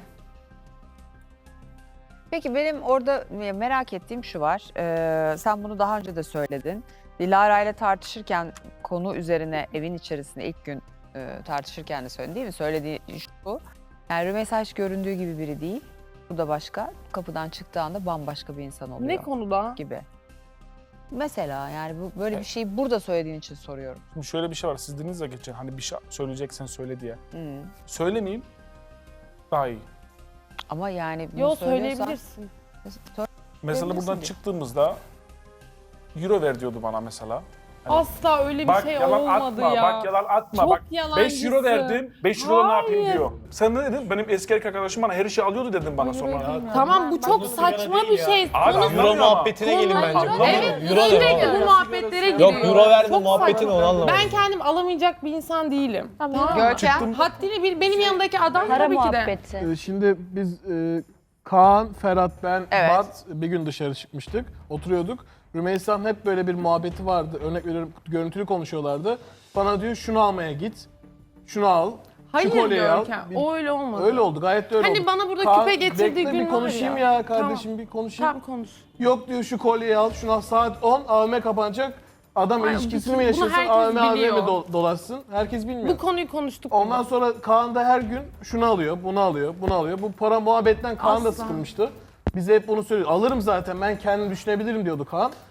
[SPEAKER 1] Peki benim orada merak ettiğim şu var. Sen bunu daha önce de söyledin. Dilara ile tartışırken konu üzerine evin içerisinde ilk gün tartışırken de söyledin değil mi? Söylediği şu. Yani Rümeysa hiç göründüğü gibi biri değil. Bu da başka. Kapıdan çıktığı anda bambaşka bir insan oluyor
[SPEAKER 10] Ne konuda?
[SPEAKER 1] gibi. Mesela yani bu böyle bir şeyi burada söylediğin için soruyorum.
[SPEAKER 3] Şimdi şöyle bir şey var. Siz dediniz ya geçen hani bir şey söyleyeceksen söyle diye.
[SPEAKER 1] Hı.
[SPEAKER 3] Söylemeyeyim daha iyi.
[SPEAKER 1] Ama yani bunu
[SPEAKER 10] Yo
[SPEAKER 1] söylüyorsan-
[SPEAKER 10] söyleyebilirsin.
[SPEAKER 3] Mesela
[SPEAKER 1] Söyleyebilirsin
[SPEAKER 3] buradan
[SPEAKER 1] diye.
[SPEAKER 3] çıktığımızda euro ver diyordu bana mesela.
[SPEAKER 10] Asla öyle bir
[SPEAKER 3] Bak
[SPEAKER 10] şey
[SPEAKER 3] yalan
[SPEAKER 10] olmadı
[SPEAKER 3] atma,
[SPEAKER 10] ya.
[SPEAKER 3] bak yalan atma.
[SPEAKER 10] Çok
[SPEAKER 3] Bak 5
[SPEAKER 10] yalancısın.
[SPEAKER 3] euro verdim, 5 euro ne yapayım
[SPEAKER 10] Hayır.
[SPEAKER 3] diyor. Sen ne dedin? Benim eski erkek arkadaşım bana her şeyi alıyordu dedin bana sonra.
[SPEAKER 10] Tamam bu çok saçma bir şey.
[SPEAKER 3] Abi
[SPEAKER 10] Konu-
[SPEAKER 3] anlamıyor ama.
[SPEAKER 5] muhabbetine gelin bence.
[SPEAKER 10] Evet
[SPEAKER 5] Euro
[SPEAKER 10] sürekli bu muhabbetlere giriyor.
[SPEAKER 5] verme
[SPEAKER 10] Çok
[SPEAKER 5] muhabbetini
[SPEAKER 10] saçma.
[SPEAKER 5] onu anlamadım.
[SPEAKER 10] Ben kendim alamayacak bir insan değilim. Tamam.
[SPEAKER 1] Görkem.
[SPEAKER 10] Haddini bil. Benim yanımdaki adam
[SPEAKER 11] Para
[SPEAKER 10] tabii ki de.
[SPEAKER 11] muhabbeti.
[SPEAKER 2] Şimdi biz Kaan, Ferhat, ben,
[SPEAKER 1] Evet.
[SPEAKER 2] Bat bir gün dışarı çıkmıştık. Oturuyorduk. Rümeysa'nın hep böyle bir muhabbeti vardı. Örnek veriyorum görüntülü konuşuyorlardı. Bana diyor şunu almaya git. Şunu al.
[SPEAKER 10] Hayır
[SPEAKER 2] şu kolyeyi al.
[SPEAKER 10] Görkem. O öyle olmadı.
[SPEAKER 2] Öyle oldu. Gayet de öyle
[SPEAKER 10] Hani
[SPEAKER 2] oldu.
[SPEAKER 10] bana burada
[SPEAKER 2] Kaan,
[SPEAKER 10] küpe getirdiği
[SPEAKER 2] bekle,
[SPEAKER 10] gün
[SPEAKER 2] bir konuşayım
[SPEAKER 10] var
[SPEAKER 2] ya, kardeşim bir konuşayım.
[SPEAKER 10] Tamam konuş.
[SPEAKER 2] Yok diyor şu kolyeyi al. Şunu al. Saat 10 AVM kapanacak. Adam
[SPEAKER 10] Ay,
[SPEAKER 2] ilişkisini
[SPEAKER 10] bunu
[SPEAKER 2] mi yaşasın
[SPEAKER 10] herkes
[SPEAKER 2] AVM
[SPEAKER 10] biliyor.
[SPEAKER 2] mi dolaşsın? Herkes bilmiyor.
[SPEAKER 10] Bu konuyu konuştuk.
[SPEAKER 2] Ondan
[SPEAKER 10] burada.
[SPEAKER 2] sonra Kaan da her gün şunu alıyor, bunu alıyor, bunu alıyor. Bu para muhabbetten Kaan da
[SPEAKER 10] Asla.
[SPEAKER 2] sıkılmıştı. Bize hep bunu söylüyor. Alırım zaten ben kendim düşünebilirim diyordu Kaan.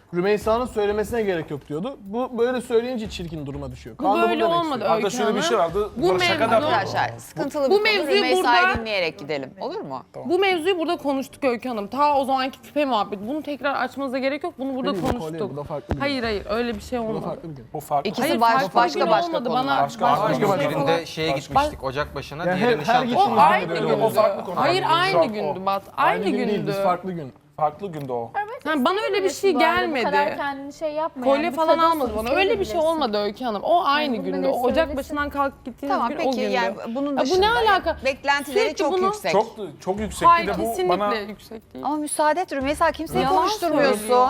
[SPEAKER 12] Rümeysa'nın söylemesine gerek yok diyordu. Bu böyle söyleyince çirkin duruma düşüyor.
[SPEAKER 10] Bu
[SPEAKER 12] Kaan da bunu
[SPEAKER 10] böyle
[SPEAKER 12] demek
[SPEAKER 10] olmadı
[SPEAKER 12] istiyor.
[SPEAKER 3] Hatta
[SPEAKER 10] Öykü
[SPEAKER 3] şöyle bir şey
[SPEAKER 10] Hanım.
[SPEAKER 3] vardı.
[SPEAKER 10] Bu
[SPEAKER 3] Bunlar şaka da
[SPEAKER 10] mevzu-
[SPEAKER 1] Arkadaşlar sıkıntılı
[SPEAKER 10] Bu
[SPEAKER 1] bir konu.
[SPEAKER 10] mevzuyu
[SPEAKER 1] Rümeysa'yı
[SPEAKER 10] burada-
[SPEAKER 1] dinleyerek gidelim. Olur mu?
[SPEAKER 10] Bu mevzuyu burada konuştuk Öykü Hanım. Ta o zamanki küpe muhabbet. Bunu tekrar açmanıza gerek yok. Bunu burada
[SPEAKER 12] Benim kolye,
[SPEAKER 10] konuştuk.
[SPEAKER 12] bu da farklı bir gün.
[SPEAKER 10] Hayır öyle bir şey
[SPEAKER 12] Bu da
[SPEAKER 10] olmadı.
[SPEAKER 12] farklı bir gün.
[SPEAKER 3] Bu farklı.
[SPEAKER 1] İkisi
[SPEAKER 10] Hayır,
[SPEAKER 1] başka
[SPEAKER 10] farklı bir gün
[SPEAKER 1] başka
[SPEAKER 10] olmadı.
[SPEAKER 1] konular.
[SPEAKER 10] Bana
[SPEAKER 3] Başka
[SPEAKER 7] Birinde şeye gitmiştik Ocak başına,
[SPEAKER 12] Yani
[SPEAKER 7] diğeri
[SPEAKER 12] her
[SPEAKER 7] nişantaşı.
[SPEAKER 12] gittiğimiz
[SPEAKER 10] O
[SPEAKER 12] günde
[SPEAKER 10] aynı
[SPEAKER 12] böyle
[SPEAKER 10] gündü.
[SPEAKER 12] oldu.
[SPEAKER 3] O farklı konu.
[SPEAKER 10] Hayır
[SPEAKER 3] Şu an
[SPEAKER 10] aynı
[SPEAKER 3] o.
[SPEAKER 10] gündü Bat. Aynı
[SPEAKER 12] gün değil,
[SPEAKER 10] gündü.
[SPEAKER 12] biz farklı gün.
[SPEAKER 3] Farklı günde o.
[SPEAKER 10] Yani bana öyle bir şey gelmedi.
[SPEAKER 13] kendini şey yapma.
[SPEAKER 10] Kolye falan almadı bana. Öyle bir şey olmadı Öykü Hanım. O aynı
[SPEAKER 13] bunu da
[SPEAKER 10] gündü.
[SPEAKER 13] ne
[SPEAKER 10] O Ocak
[SPEAKER 13] söylesin?
[SPEAKER 10] başından kalkıp gittiğiniz
[SPEAKER 1] Tamam
[SPEAKER 10] gün o
[SPEAKER 1] peki
[SPEAKER 10] gündü.
[SPEAKER 1] yani bunun
[SPEAKER 10] Ya
[SPEAKER 1] dışında
[SPEAKER 10] bu ne alaka?
[SPEAKER 1] beklentileri
[SPEAKER 10] Sürekli
[SPEAKER 1] çok
[SPEAKER 10] bunu-
[SPEAKER 1] yüksek.
[SPEAKER 3] Çok yüksek.
[SPEAKER 10] Hayır
[SPEAKER 3] Bir de bu
[SPEAKER 10] kesinlikle
[SPEAKER 3] bana
[SPEAKER 10] yüksek değil.
[SPEAKER 1] Ama müsaade et Rümeysa kimseyi
[SPEAKER 10] Yalan
[SPEAKER 1] konuşturmuyorsun.
[SPEAKER 10] söylüyor.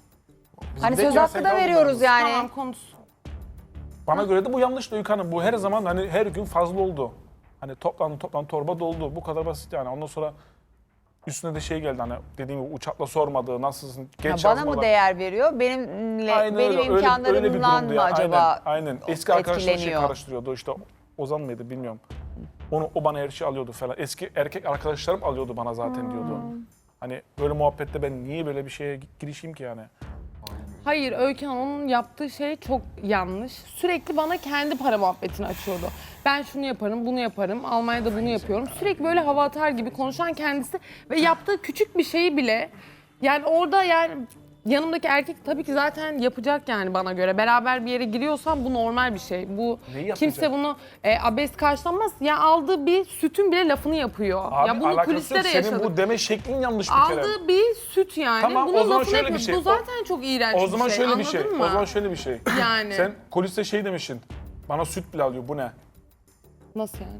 [SPEAKER 1] Hani
[SPEAKER 3] de
[SPEAKER 1] söz hakkı
[SPEAKER 3] gerçek
[SPEAKER 1] da veriyoruz yani.
[SPEAKER 10] Tamam konuş.
[SPEAKER 3] Bana göre de bu yanlış Öykü Hanım. Bu her zaman hani her gün fazla oldu. Hani toplandı torba doldu. Bu kadar basit yani. Ondan sonra üstüne de şey geldi hani dediğim gibi uçakla sormadı. Nasılsın? Geç
[SPEAKER 1] Ha, bana
[SPEAKER 3] yazmalar.
[SPEAKER 1] mı değer veriyor? Benimle
[SPEAKER 3] Aynen
[SPEAKER 1] benim
[SPEAKER 3] öyle, öyle bir
[SPEAKER 1] imkanlarımdan
[SPEAKER 3] durumdu
[SPEAKER 1] mı
[SPEAKER 3] ya.
[SPEAKER 1] acaba
[SPEAKER 3] Aynen. Eski arkadaşlar şey
[SPEAKER 1] etkileniyor?
[SPEAKER 3] karıştırıyordu. İşte Ozan mıydı bilmiyorum. O bana her şeyi alıyordu falan. Eski erkek arkadaşlarım alıyordu bana zaten diyordu. Hani böyle muhabbette ben niye böyle bir şeye girişeyim ki yani?
[SPEAKER 10] Hayır Öykü Hanım onun yaptığı şey çok yanlış. Sürekli bana kendi para muhabbetini açıyordu. Ben şunu yaparım, bunu yaparım, Almanya'da bunu yapıyorum. Sürekli böyle hava atar gibi konuşan kendisi ve yaptığı küçük bir şeyi bile yani orada yani yanımdaki erkek tabii ki zaten yapacak yani bana göre. Beraber bir yere giriyorsam bu normal bir şey. Bu
[SPEAKER 3] Neyi yapacak?
[SPEAKER 10] kimse bunu abes karşılamaz. Ya aldığı bir sütün bile lafını yapıyor.
[SPEAKER 3] Abi
[SPEAKER 10] ya bunu
[SPEAKER 3] alakası
[SPEAKER 10] kuliste
[SPEAKER 3] yok.
[SPEAKER 10] de
[SPEAKER 3] Senin
[SPEAKER 10] yaşadık.
[SPEAKER 3] bu deme şeklin yanlış bir kere.
[SPEAKER 10] Aldığı bir süt yani.
[SPEAKER 3] Tamam,
[SPEAKER 10] Bunun
[SPEAKER 3] o zaman
[SPEAKER 10] lafını
[SPEAKER 3] şöyle bir
[SPEAKER 10] yapıyor.
[SPEAKER 3] şey.
[SPEAKER 10] Bu zaten çok iğrenç
[SPEAKER 3] O zaman
[SPEAKER 10] bir şey.
[SPEAKER 3] şöyle bir şey.
[SPEAKER 10] Anladın mı?
[SPEAKER 3] O zaman şöyle bir şey.
[SPEAKER 10] Yani.
[SPEAKER 3] Sen kuliste şey demişsin. Bana süt bile alıyor. Bu ne?
[SPEAKER 10] Nasıl yani?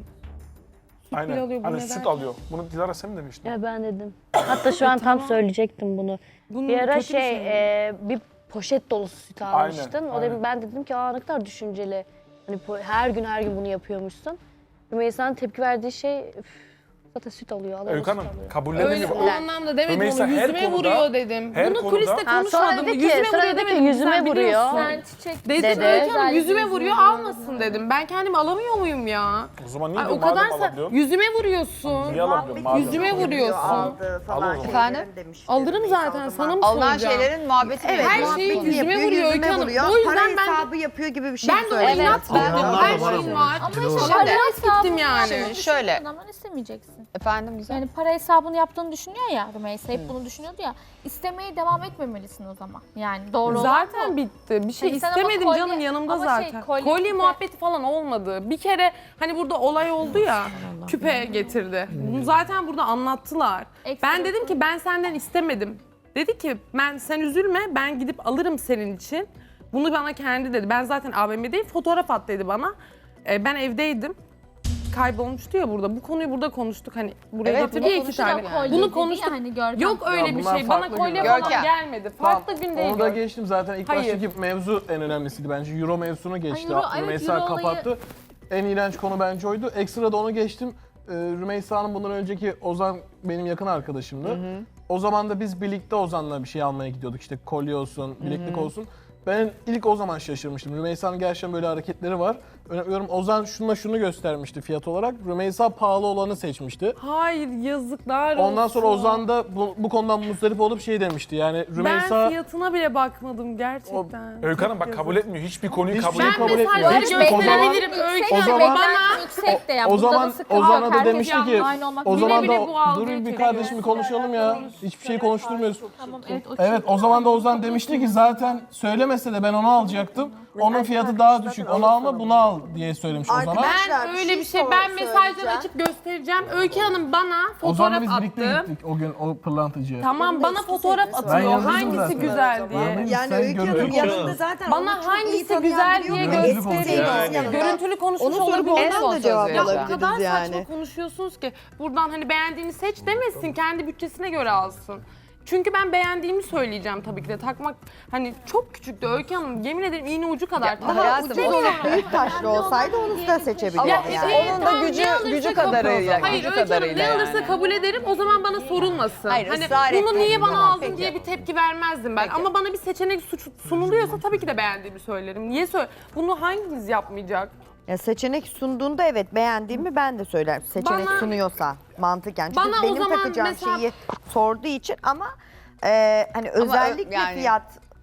[SPEAKER 10] bile
[SPEAKER 3] Aynen.
[SPEAKER 10] alıyor, bu
[SPEAKER 3] Hani
[SPEAKER 10] ne
[SPEAKER 3] süt
[SPEAKER 10] derken?
[SPEAKER 3] alıyor. Bunu Dilara sen mi demiştin?
[SPEAKER 11] Ya ben dedim. Hatta şu an tam söyleyecektim bunu.
[SPEAKER 10] Bunun
[SPEAKER 11] Bir ara
[SPEAKER 10] kötü bir şey mi?
[SPEAKER 11] bir poşet dolusu süt almıştın. O da ben dedim ki aa ne kadar düşünceli. Hani her gün bunu yapıyormuşsun. Rümeysa'nın tepki verdiği şey "Üf, zaten süt alıyor. Allah
[SPEAKER 3] Öykü Hanım
[SPEAKER 11] süt alıyor."
[SPEAKER 3] kabullenin
[SPEAKER 10] Öyle
[SPEAKER 3] gibi.
[SPEAKER 10] o anlamda demedim
[SPEAKER 3] Rümeysa
[SPEAKER 10] onu.
[SPEAKER 3] her
[SPEAKER 10] Yüzüme
[SPEAKER 3] konuda-
[SPEAKER 10] vuruyor dedim.
[SPEAKER 3] her
[SPEAKER 10] Bunu
[SPEAKER 3] konuda-
[SPEAKER 10] kuliste
[SPEAKER 11] Ha, sonra
[SPEAKER 10] konuşmadım.
[SPEAKER 11] dedi ki-
[SPEAKER 10] Yüzüme
[SPEAKER 11] sonra
[SPEAKER 10] vuruyor
[SPEAKER 11] dedi ki,
[SPEAKER 10] demedim.
[SPEAKER 11] yüzüme
[SPEAKER 10] Sen
[SPEAKER 11] vuruyor.
[SPEAKER 10] biliyorsun.
[SPEAKER 13] Sen çiçek
[SPEAKER 10] Dedim
[SPEAKER 11] Dedi.
[SPEAKER 10] Öykü Hanım yüzüme vuruyor almasın dedim. Ben kendimi alamıyor muyum ya?
[SPEAKER 3] O zaman niye
[SPEAKER 10] Ay,
[SPEAKER 3] diyor
[SPEAKER 10] o kadar
[SPEAKER 3] madem alabiliyorsun?
[SPEAKER 10] yüzüme vuruyorsun.
[SPEAKER 3] Niye alabiliyorsun madem?
[SPEAKER 10] Yüzüme vuruyorsun.
[SPEAKER 4] Aldı falan
[SPEAKER 3] Al o zaman.
[SPEAKER 1] Efendim?
[SPEAKER 4] şeylerin demişti.
[SPEAKER 10] Alırım
[SPEAKER 4] Rümeysa
[SPEAKER 10] zaten
[SPEAKER 4] o
[SPEAKER 10] sana
[SPEAKER 4] zaman.
[SPEAKER 10] mı
[SPEAKER 1] Alınan
[SPEAKER 10] soracağım?
[SPEAKER 1] şeylerin muhabbetini
[SPEAKER 4] Evet,
[SPEAKER 10] Her
[SPEAKER 1] yapıyoruz.
[SPEAKER 10] şeyi
[SPEAKER 4] muhabbetini
[SPEAKER 10] yüzüme
[SPEAKER 4] yapıyor,
[SPEAKER 10] vuruyor Öykü
[SPEAKER 4] yüzüme
[SPEAKER 10] Hanım.
[SPEAKER 4] vuruyor.
[SPEAKER 10] O yüzden
[SPEAKER 4] Para
[SPEAKER 10] ben-
[SPEAKER 4] hesabı yapıyor gibi bir şey
[SPEAKER 10] Ben de ona
[SPEAKER 4] söyledi.
[SPEAKER 10] inat
[SPEAKER 1] Ben-
[SPEAKER 10] gittim.
[SPEAKER 1] Ben-
[SPEAKER 10] Her
[SPEAKER 1] Ben-
[SPEAKER 10] şeyim var.
[SPEAKER 13] Ama
[SPEAKER 1] Şimdi-
[SPEAKER 13] işte para hesabını
[SPEAKER 10] gittim yani.
[SPEAKER 13] yaptığını
[SPEAKER 1] Şöyle.
[SPEAKER 13] düşündüğün zaman istemeyeceksin.
[SPEAKER 1] Efendim güzel.
[SPEAKER 13] Yani para hesabını yaptığını düşünüyor ya Rümeysa hep bunu düşünüyordu ya. İstemeye devam etmemelisin o zaman. Yani doğru olan
[SPEAKER 10] Zaten
[SPEAKER 13] bu.
[SPEAKER 10] bitti. Bir şey
[SPEAKER 13] Hani sen ama
[SPEAKER 10] istemedim
[SPEAKER 13] kolye-
[SPEAKER 10] canım yanımda
[SPEAKER 13] ama şey,
[SPEAKER 10] zaten.
[SPEAKER 13] kolye
[SPEAKER 10] kolye
[SPEAKER 13] küpe-
[SPEAKER 10] muhabbeti falan olmadı. Bir kere hani burada olay oldu ya küpe getirdi. Bunu zaten burada anlattılar.
[SPEAKER 13] Ekstra
[SPEAKER 10] Ben dedim ki ben senden istemedim. Dedi ki sen üzülme ben gidip alırım senin için. Bunu bana kendi dedi. Ben zaten AVM'deyim fotoğraf at dedi bana. Ben evdeydim. Kaybolmuştu ya burada. Bu konuyu burada konuştuk. Hani buraya
[SPEAKER 1] Evet,
[SPEAKER 10] getirdi
[SPEAKER 1] bunu
[SPEAKER 10] ya iki
[SPEAKER 1] konuştuk
[SPEAKER 10] tane.
[SPEAKER 1] yani.
[SPEAKER 10] Bunu konuştuk.
[SPEAKER 13] Hani Görkem.
[SPEAKER 10] Yok öyle bir
[SPEAKER 12] bunlar
[SPEAKER 10] şey. Bana
[SPEAKER 12] farklı
[SPEAKER 10] kolye
[SPEAKER 12] günler.
[SPEAKER 10] falan
[SPEAKER 1] Görkem.
[SPEAKER 10] gelmedi. Farklı gün değil.
[SPEAKER 12] Onu da
[SPEAKER 10] Görkem.
[SPEAKER 12] geçtim zaten. İlk
[SPEAKER 10] Hayır.
[SPEAKER 12] baştaki mevzu en önemlisiydi bence. Euro mevzusunu geçti.
[SPEAKER 13] Euro, evet,
[SPEAKER 12] Rümeysa
[SPEAKER 13] Euro olayı-
[SPEAKER 12] kapattı. En iğrenç konu bence oydu. Ekstra da onu geçtim. Rümeysa'nın bundan önceki Ozan benim yakın arkadaşımdı. O zaman da biz birlikte Ozan'la bir şey almaya gidiyorduk. İşte kolye olsun, bileklik olsun. Ben ilk o zaman şaşırmıştım. Rümeysa'nın gerçekten böyle hareketleri var. Örneğin Ozan şunu göstermişti fiyat olarak. Rümeysa pahalı olanı seçmişti.
[SPEAKER 10] Hayır yazıklar olsun.
[SPEAKER 12] Ondan sonra Ozan da bu konudan muzdarip olup şey demişti. Yani Rümeysa
[SPEAKER 10] Ben fiyatına bile bakmadım gerçekten.
[SPEAKER 3] Öykü Hanım bak
[SPEAKER 10] Çok
[SPEAKER 3] kabul etmiyor. Hiçbir konuyu
[SPEAKER 12] Hiçbir
[SPEAKER 3] kabul
[SPEAKER 12] şey
[SPEAKER 10] Ben
[SPEAKER 3] etmiyor.
[SPEAKER 12] kabul etmiyor.
[SPEAKER 10] mesajları
[SPEAKER 12] Hiçbir- o zaman-
[SPEAKER 10] gönderebilirim Öykü
[SPEAKER 12] o
[SPEAKER 10] Hanım.
[SPEAKER 12] zaman-
[SPEAKER 10] Bana
[SPEAKER 13] yüksek de ya.
[SPEAKER 12] o
[SPEAKER 13] Bunda
[SPEAKER 12] zaman
[SPEAKER 13] da sıkıntı
[SPEAKER 12] Ozan'a
[SPEAKER 13] yok.
[SPEAKER 12] da
[SPEAKER 13] Herkes
[SPEAKER 12] demişti
[SPEAKER 13] yanında
[SPEAKER 12] ki
[SPEAKER 13] aynı olmak
[SPEAKER 12] o
[SPEAKER 10] Bile
[SPEAKER 12] zaman
[SPEAKER 10] bile
[SPEAKER 12] da
[SPEAKER 10] bu algıyı
[SPEAKER 12] durun bir
[SPEAKER 10] veriyor.
[SPEAKER 12] kardeşim bir konuşalım ya. Hiçbir şey konuşturmuyoruz.
[SPEAKER 13] Tamam, evet,
[SPEAKER 12] Evet o zaman da Ozan demişti ki zaten söylemese de ben onu alacaktım. Onun fiyatı daha düşük. Onu alma bunu al diye söylemiş Ozan'a.
[SPEAKER 10] Ben öyle bir şey, ben mesajları açıp göstereceğim. Öykü Hanım bana
[SPEAKER 12] Ozan'la
[SPEAKER 10] fotoğraf
[SPEAKER 12] biz birlikte
[SPEAKER 10] attı.
[SPEAKER 12] gittik o gün o pırlantacıya.
[SPEAKER 10] Tamam bana fotoğraf atıyor.
[SPEAKER 12] yazdım
[SPEAKER 10] Hangisi
[SPEAKER 12] zaten.
[SPEAKER 10] güzel diye.
[SPEAKER 4] Yani
[SPEAKER 12] Sen
[SPEAKER 4] Öykü Hanım
[SPEAKER 12] görüntülü
[SPEAKER 4] yanında zaten onu
[SPEAKER 10] Bana
[SPEAKER 4] çok iyi
[SPEAKER 10] hangisi
[SPEAKER 4] tanıyan
[SPEAKER 10] güzel
[SPEAKER 4] biri
[SPEAKER 10] diye
[SPEAKER 4] yok.
[SPEAKER 12] Görüntülü
[SPEAKER 10] göstereyim.
[SPEAKER 12] konuşuyor.
[SPEAKER 4] Yani.
[SPEAKER 10] Görüntülü konuşmuş
[SPEAKER 4] Onu sorup
[SPEAKER 10] olabilir.
[SPEAKER 1] En son
[SPEAKER 4] ondan da cevap
[SPEAKER 1] söz
[SPEAKER 10] Ya o
[SPEAKER 1] vereceğim.
[SPEAKER 10] kadar
[SPEAKER 4] alabiliriz
[SPEAKER 10] saçma
[SPEAKER 4] yani.
[SPEAKER 10] konuşuyorsunuz ki buradan hani beğendiğini seç demesin, kendi bütçesine göre alsın. Çünkü ben beğendiğimi söyleyeceğim tabii ki de. Takmak hani çok küçüktü Öykü Hanım. Yemin ederim iğne ucu kadar.
[SPEAKER 1] Daha hayatım,
[SPEAKER 4] Ucuz olup büyük taşlı olsaydı onu da seçebilirdi
[SPEAKER 1] Ama
[SPEAKER 4] yani.
[SPEAKER 1] onun da gücü kadarıyla.
[SPEAKER 10] Hayır
[SPEAKER 1] gücü
[SPEAKER 10] Öykü Hanım
[SPEAKER 1] kadarıyla
[SPEAKER 10] ne alırsa
[SPEAKER 1] yani.
[SPEAKER 10] kabul ederim o zaman bana sorulmasın.
[SPEAKER 1] Hayır,
[SPEAKER 10] hani
[SPEAKER 1] ısrar
[SPEAKER 10] bunu
[SPEAKER 1] etmeyin.
[SPEAKER 10] niye bana
[SPEAKER 1] Tamam,
[SPEAKER 10] aldın
[SPEAKER 1] peki.
[SPEAKER 10] diye bir tepki vermezdim ben.
[SPEAKER 1] Peki.
[SPEAKER 10] Ama bana bir seçenek sunuluyorsa tabii ki de beğendiğimi söylerim. Niye Bunu hanginiz yapmayacak?
[SPEAKER 4] Ya seçenek sunduğunda evet beğendiğimi ben de söylerim. Seçenek
[SPEAKER 10] Bana-
[SPEAKER 4] sunuyorsa mantıken. Çünkü
[SPEAKER 10] Bana o
[SPEAKER 4] benim
[SPEAKER 10] zaman
[SPEAKER 4] takacağım
[SPEAKER 10] mesela-
[SPEAKER 4] şeyi sorduğu için ama hani özellikle
[SPEAKER 1] yani-
[SPEAKER 4] fiyat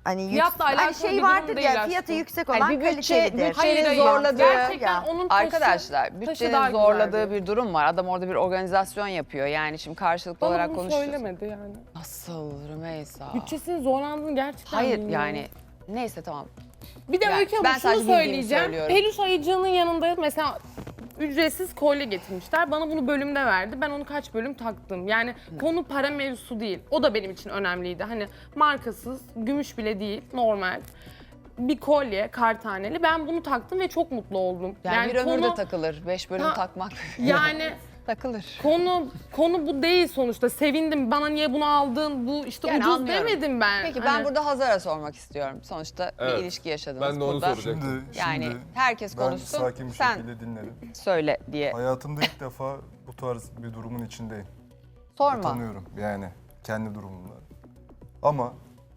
[SPEAKER 4] Hani,
[SPEAKER 10] Fiyatla alakalı
[SPEAKER 4] hani şey
[SPEAKER 10] bir
[SPEAKER 4] vardır
[SPEAKER 10] durum
[SPEAKER 4] ya
[SPEAKER 10] değil
[SPEAKER 4] fiyatı
[SPEAKER 10] aslında.
[SPEAKER 4] yüksek olan
[SPEAKER 1] Hani bir
[SPEAKER 4] kalitelidir.
[SPEAKER 1] bütçenin zorladığı,
[SPEAKER 10] Gerçekten onun taşı,
[SPEAKER 1] arkadaşlar
[SPEAKER 10] taşı
[SPEAKER 1] bütçenin
[SPEAKER 10] daha
[SPEAKER 1] zorladığı
[SPEAKER 10] güzeldi.
[SPEAKER 1] bir durum var. Adam orada bir organizasyon yapıyor. Yani şimdi karşılıklı
[SPEAKER 10] Bana
[SPEAKER 1] olarak
[SPEAKER 10] bunu
[SPEAKER 1] konuşuyoruz.
[SPEAKER 10] söylemedi yani.
[SPEAKER 1] Nasıl Rümeysa?
[SPEAKER 10] Bütçesinin zorlandığını gerçekten
[SPEAKER 1] Hayır
[SPEAKER 10] bilmiyorum.
[SPEAKER 1] yani neyse tamam.
[SPEAKER 10] Bir de
[SPEAKER 1] Yani
[SPEAKER 10] Öykü Hanım
[SPEAKER 1] ben
[SPEAKER 10] şunu
[SPEAKER 1] sadece bildiğimi
[SPEAKER 10] söyleyeceğim.
[SPEAKER 1] söylüyorum.
[SPEAKER 10] Peluş ayıcığının yanında mesela ücretsiz kolye getirmişler. Bana bunu bölümde verdi. Ben onu kaç bölüm taktım. Yani konu para mevzusu değil. O da benim için önemliydi. Hani markasız, gümüş bile değil, normal. Bir kolye, kartaneli. Ben bunu taktım ve çok mutlu oldum.
[SPEAKER 1] Yani bir ömür de takılır. 5 bölüm
[SPEAKER 10] Ha,
[SPEAKER 1] takmak.
[SPEAKER 10] Yani
[SPEAKER 1] takılır.
[SPEAKER 10] konu bu değil sonuçta. Sevindim. Bana niye bunu aldın? Bu işte
[SPEAKER 1] Yani
[SPEAKER 10] ucuz
[SPEAKER 1] anlıyorum.
[SPEAKER 10] demedim ben.
[SPEAKER 1] Peki
[SPEAKER 10] Hani-
[SPEAKER 1] ben burada Hazar'a sormak istiyorum. Sonuçta
[SPEAKER 5] Evet.
[SPEAKER 1] bir ilişki yaşadınız
[SPEAKER 5] Ben de onu
[SPEAKER 1] burada.
[SPEAKER 5] soracaktım.
[SPEAKER 1] Yani herkes
[SPEAKER 14] ben
[SPEAKER 1] konuşsun.
[SPEAKER 14] sakin bir
[SPEAKER 1] Sen
[SPEAKER 14] şekilde dinledim.
[SPEAKER 1] söyle diye.
[SPEAKER 14] Hayatımda ilk defa bu tarz bir durumun içindeyim.
[SPEAKER 1] Sorma.
[SPEAKER 14] Utanıyorum yani kendi durumumda. Ama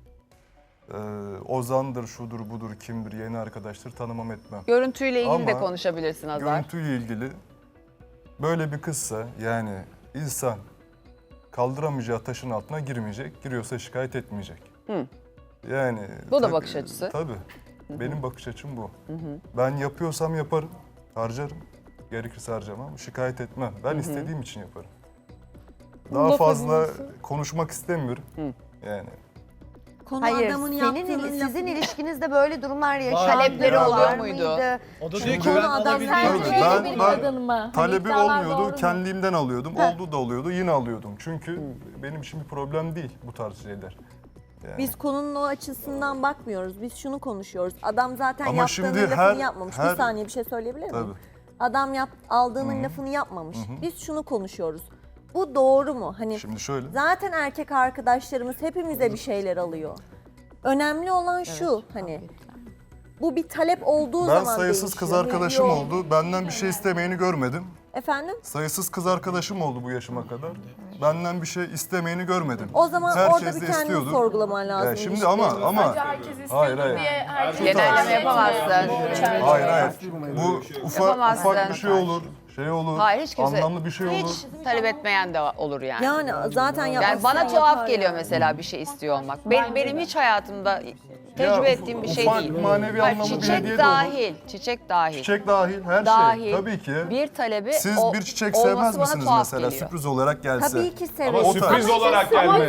[SPEAKER 14] Ozan'dır, şudur, budur, kimdir, yeni arkadaştır tanımam etmem.
[SPEAKER 1] Görüntüyle ilgili de
[SPEAKER 14] Ama
[SPEAKER 1] konuşabilirsin Hazar.
[SPEAKER 14] Görüntüyle ilgili böyle bir kızsa yani insan kaldıramayacağı taşın altına girmeyecek, giriyorsa şikayet etmeyecek.
[SPEAKER 1] Hı.
[SPEAKER 14] Yani
[SPEAKER 1] Bu da bakış açısı.
[SPEAKER 14] Tabii. Benim bakış açım bu. Ben yapıyorsam yaparım, harcarım. Gerekirse harcamam, şikayet etmem. Ben istediğim için yaparım. Daha
[SPEAKER 10] Laf
[SPEAKER 14] fazla
[SPEAKER 10] edilmesi.
[SPEAKER 14] konuşmak istemiyorum. Yani
[SPEAKER 4] Hayır, sizin ilişkinizde böyle durumlar yaşandı.
[SPEAKER 1] Talepleri
[SPEAKER 14] Yani-
[SPEAKER 1] oluyor muydu?
[SPEAKER 2] O da
[SPEAKER 14] Şimdi
[SPEAKER 2] diyor ki
[SPEAKER 14] konu
[SPEAKER 2] ben
[SPEAKER 4] adam
[SPEAKER 2] alabilirim.
[SPEAKER 14] Tabii,
[SPEAKER 13] Sen
[SPEAKER 14] ben-
[SPEAKER 13] bir
[SPEAKER 14] ben-
[SPEAKER 13] kadın mı? Hani
[SPEAKER 14] talebi
[SPEAKER 13] iddialar doğru
[SPEAKER 14] olmuyordu,
[SPEAKER 13] mu?
[SPEAKER 14] kendiliğimden alıyordum. Oldu da oluyordu, yine alıyordum. Çünkü benim için bir problem değil bu tarz şeyler. Yani.
[SPEAKER 15] Biz konunun o açısından bakmıyoruz. Biz şunu konuşuyoruz. Adam zaten
[SPEAKER 14] Ama
[SPEAKER 15] yaptığının
[SPEAKER 14] şimdi
[SPEAKER 15] lafını
[SPEAKER 14] her-
[SPEAKER 15] yapmamış.
[SPEAKER 14] her-
[SPEAKER 15] Bir saniye bir şey söyleyebilir miyim?
[SPEAKER 14] Tabii.
[SPEAKER 15] Adam aldığının lafını yapmamış. Biz şunu konuşuyoruz. Bu doğru mu? Hani
[SPEAKER 14] Şimdi şöyle.
[SPEAKER 15] zaten erkek arkadaşlarımız hepimize bir şeyler alıyor. Önemli olan şu hani bu bir talep olduğu
[SPEAKER 14] Ben
[SPEAKER 15] zaman
[SPEAKER 14] sayısız kız
[SPEAKER 15] değişiyor.
[SPEAKER 14] arkadaşım
[SPEAKER 15] Yok.
[SPEAKER 14] oldu. Benden bir şey istemeyeni görmedim.
[SPEAKER 15] Efendim?
[SPEAKER 14] Sayısız kız arkadaşım oldu bu yaşıma kadar. Benden bir şey istemeyeni görmedim.
[SPEAKER 15] O zaman
[SPEAKER 14] Herkes
[SPEAKER 15] orada bir
[SPEAKER 14] de
[SPEAKER 15] kendini
[SPEAKER 14] istiyordu.
[SPEAKER 15] sorgulaman lazım.
[SPEAKER 14] Ya şimdi ama hayır hayır.
[SPEAKER 1] Genelleme yapamazsın.
[SPEAKER 14] Hayır. Bu
[SPEAKER 1] Yapamazsın.
[SPEAKER 14] ufak bir şey olur. Şey olur.
[SPEAKER 1] Hayır hiç kimse.
[SPEAKER 14] Anlamlı bir şey olur.
[SPEAKER 1] Hiç talep etmeyen de olur yani.
[SPEAKER 15] Yani zaten
[SPEAKER 1] Yani bana tuhaf geliyor mesela bir şey istiyor olmak. Benim hiç hayatımda tecrübe ettiğim bir şey
[SPEAKER 14] ufak
[SPEAKER 1] değil.
[SPEAKER 14] manevi
[SPEAKER 1] Hayır,
[SPEAKER 14] anlamlı bir
[SPEAKER 1] çiçek
[SPEAKER 14] hediye de olur.
[SPEAKER 1] dahil, çiçek dahil.
[SPEAKER 14] Çiçek dahil her
[SPEAKER 1] Dahil.
[SPEAKER 14] şey. Tabii ki.
[SPEAKER 1] Bir talebi
[SPEAKER 14] Siz bir çiçek
[SPEAKER 1] olması
[SPEAKER 14] sevmez
[SPEAKER 1] bana
[SPEAKER 14] misiniz
[SPEAKER 1] tuhaf
[SPEAKER 14] mesela
[SPEAKER 1] geliyor.
[SPEAKER 14] sürpriz olarak gelse?
[SPEAKER 15] Tabii ki
[SPEAKER 5] Ama
[SPEAKER 15] severim.
[SPEAKER 5] sürpriz olarak gelmez.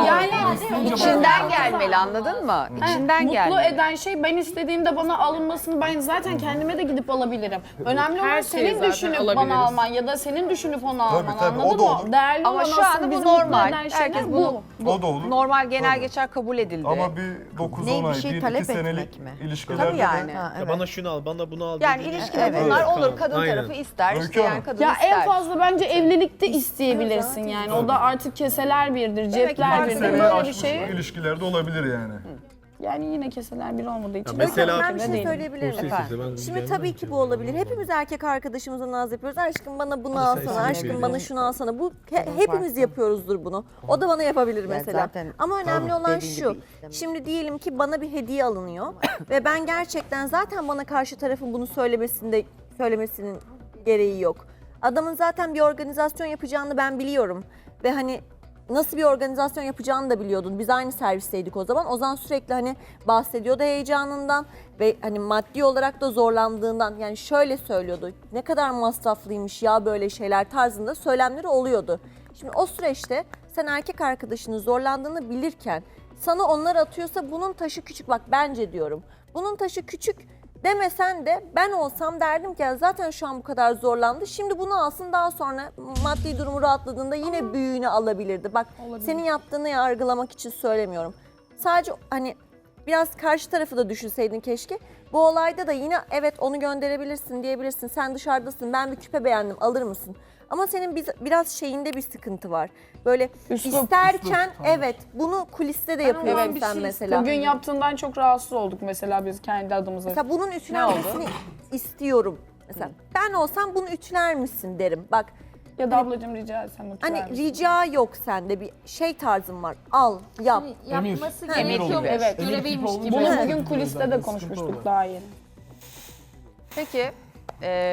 [SPEAKER 1] İçinden gelmeli anladın mı? İçinden
[SPEAKER 6] Mutlu
[SPEAKER 1] gelmeli.
[SPEAKER 6] eden şey ben istediğimde bana alınmasını ben zaten kendime de gidip alabilirim. Önemli olan
[SPEAKER 10] Her şeyi
[SPEAKER 6] senin
[SPEAKER 10] zaten
[SPEAKER 6] düşünüp
[SPEAKER 10] alabiliriz.
[SPEAKER 6] bana alman ya da senin düşünüp onu alman
[SPEAKER 14] tabii, o
[SPEAKER 6] anladın
[SPEAKER 14] da
[SPEAKER 6] mı?
[SPEAKER 14] olur.
[SPEAKER 6] Değerli
[SPEAKER 1] Ama
[SPEAKER 6] olan
[SPEAKER 1] şu
[SPEAKER 6] aslında
[SPEAKER 1] anda bu
[SPEAKER 6] bizi mutlu
[SPEAKER 1] normal.
[SPEAKER 6] eden şeyler
[SPEAKER 1] Herkes
[SPEAKER 6] bu.
[SPEAKER 14] O da olur.
[SPEAKER 1] normal genel
[SPEAKER 14] Tabii.
[SPEAKER 1] geçer kabul edildi.
[SPEAKER 14] Ama bir 9-10
[SPEAKER 4] Ne, bir
[SPEAKER 14] ay,
[SPEAKER 4] şey
[SPEAKER 14] 1-2
[SPEAKER 4] talep
[SPEAKER 14] senelik
[SPEAKER 4] etmek mi?
[SPEAKER 14] ilişkilerde
[SPEAKER 1] Tabii yani.
[SPEAKER 14] de
[SPEAKER 4] Ha, evet.
[SPEAKER 2] Bana şunu al, bana bunu al.
[SPEAKER 1] Yani
[SPEAKER 2] dediğin-
[SPEAKER 1] ilişkide
[SPEAKER 4] Evet.
[SPEAKER 1] bunlar olur.
[SPEAKER 2] Tamam,
[SPEAKER 1] Kadın
[SPEAKER 2] aynen.
[SPEAKER 1] tarafı ister,
[SPEAKER 14] Öykü
[SPEAKER 1] isteyen
[SPEAKER 14] Hanım.
[SPEAKER 1] kadın
[SPEAKER 6] Ya
[SPEAKER 1] ister.
[SPEAKER 6] en fazla bence evlilikte isteyebilirsin yani. O da artık keseler birdir, cepler birdir.
[SPEAKER 14] sene
[SPEAKER 6] Böyle bir
[SPEAKER 14] aşmış
[SPEAKER 6] şey.
[SPEAKER 14] ilişkilerde olabilir yani.
[SPEAKER 6] Yani yine keseler bir olmadığı için.
[SPEAKER 2] mesela-
[SPEAKER 15] Ben bir şey
[SPEAKER 6] Değil.
[SPEAKER 15] söyleyebilir miyim? Şimdi tabii ki bu olabilir. Hepimiz erkek arkadaşımıza naz yapıyoruz. Aşkım bana bunu alsana, aşkım bana şunu alsana. Bu hepimiz yapıyoruzdur bunu. O da bana yapabilir mesela.
[SPEAKER 4] zaten
[SPEAKER 15] Ama önemli olan
[SPEAKER 4] dediğin
[SPEAKER 15] şu.
[SPEAKER 4] gibi istemem.
[SPEAKER 15] Şimdi diyelim ki bana bir hediye alınıyor ve ben gerçekten zaten bana karşı tarafın bunu söylemesinin gereği yok. Adamın zaten bir organizasyon yapacağını ben biliyorum ve hani nasıl bir organizasyon yapacağını da biliyordun. Biz aynı servisteydik o zaman. Ozan sürekli hani bahsediyordu heyecanından ve hani maddi olarak da zorlandığından. Yani şöyle söylüyordu. Ne kadar masraflıymış ya böyle şeyler tarzında söylemleri oluyordu. Şimdi o süreçte sen erkek arkadaşının zorlandığını bilirken sana onlar atıyorsa bunun taşı küçük. Bak bence diyorum. Bunun taşı küçük demesen de ben olsam derdim ki "Ya zaten şu an bu kadar zorlandı. Şimdi bunu alsın daha sonra maddi durumu rahatladığında yine büyüğünü alabilirdi. Bak senin yaptığını yargılamak için söylemiyorum. Sadece hani biraz karşı tarafı da düşünseydin keşke. Bu olayda da yine evet onu gönderebilirsin diyebilirsin. Sen dışarıdasın ben bir küpe beğendim alır mısın? Ama senin biraz şeyinde bir sıkıntı var. Böyle isterken evet bunu kuliste de yapıyorsun sen mesela.
[SPEAKER 6] Bugün yaptığından çok rahatsız olduk mesela biz kendi adımıza.
[SPEAKER 15] Mesela bunun ütülenmesini istiyorum. Mesela ben olsam bunu ütüler misin derim. Bak
[SPEAKER 6] Ya da ablacığım rica etsem
[SPEAKER 15] hani
[SPEAKER 6] lütfen.
[SPEAKER 15] rica yok sende bir şey tarzın var. Al yap.
[SPEAKER 13] Yapması
[SPEAKER 1] Emir
[SPEAKER 13] gerekiyormuş,
[SPEAKER 6] Evet.
[SPEAKER 13] göreviymiş gibi.
[SPEAKER 6] Bunu bugün kuliste de konuşmuştuk daha yeni.
[SPEAKER 1] Peki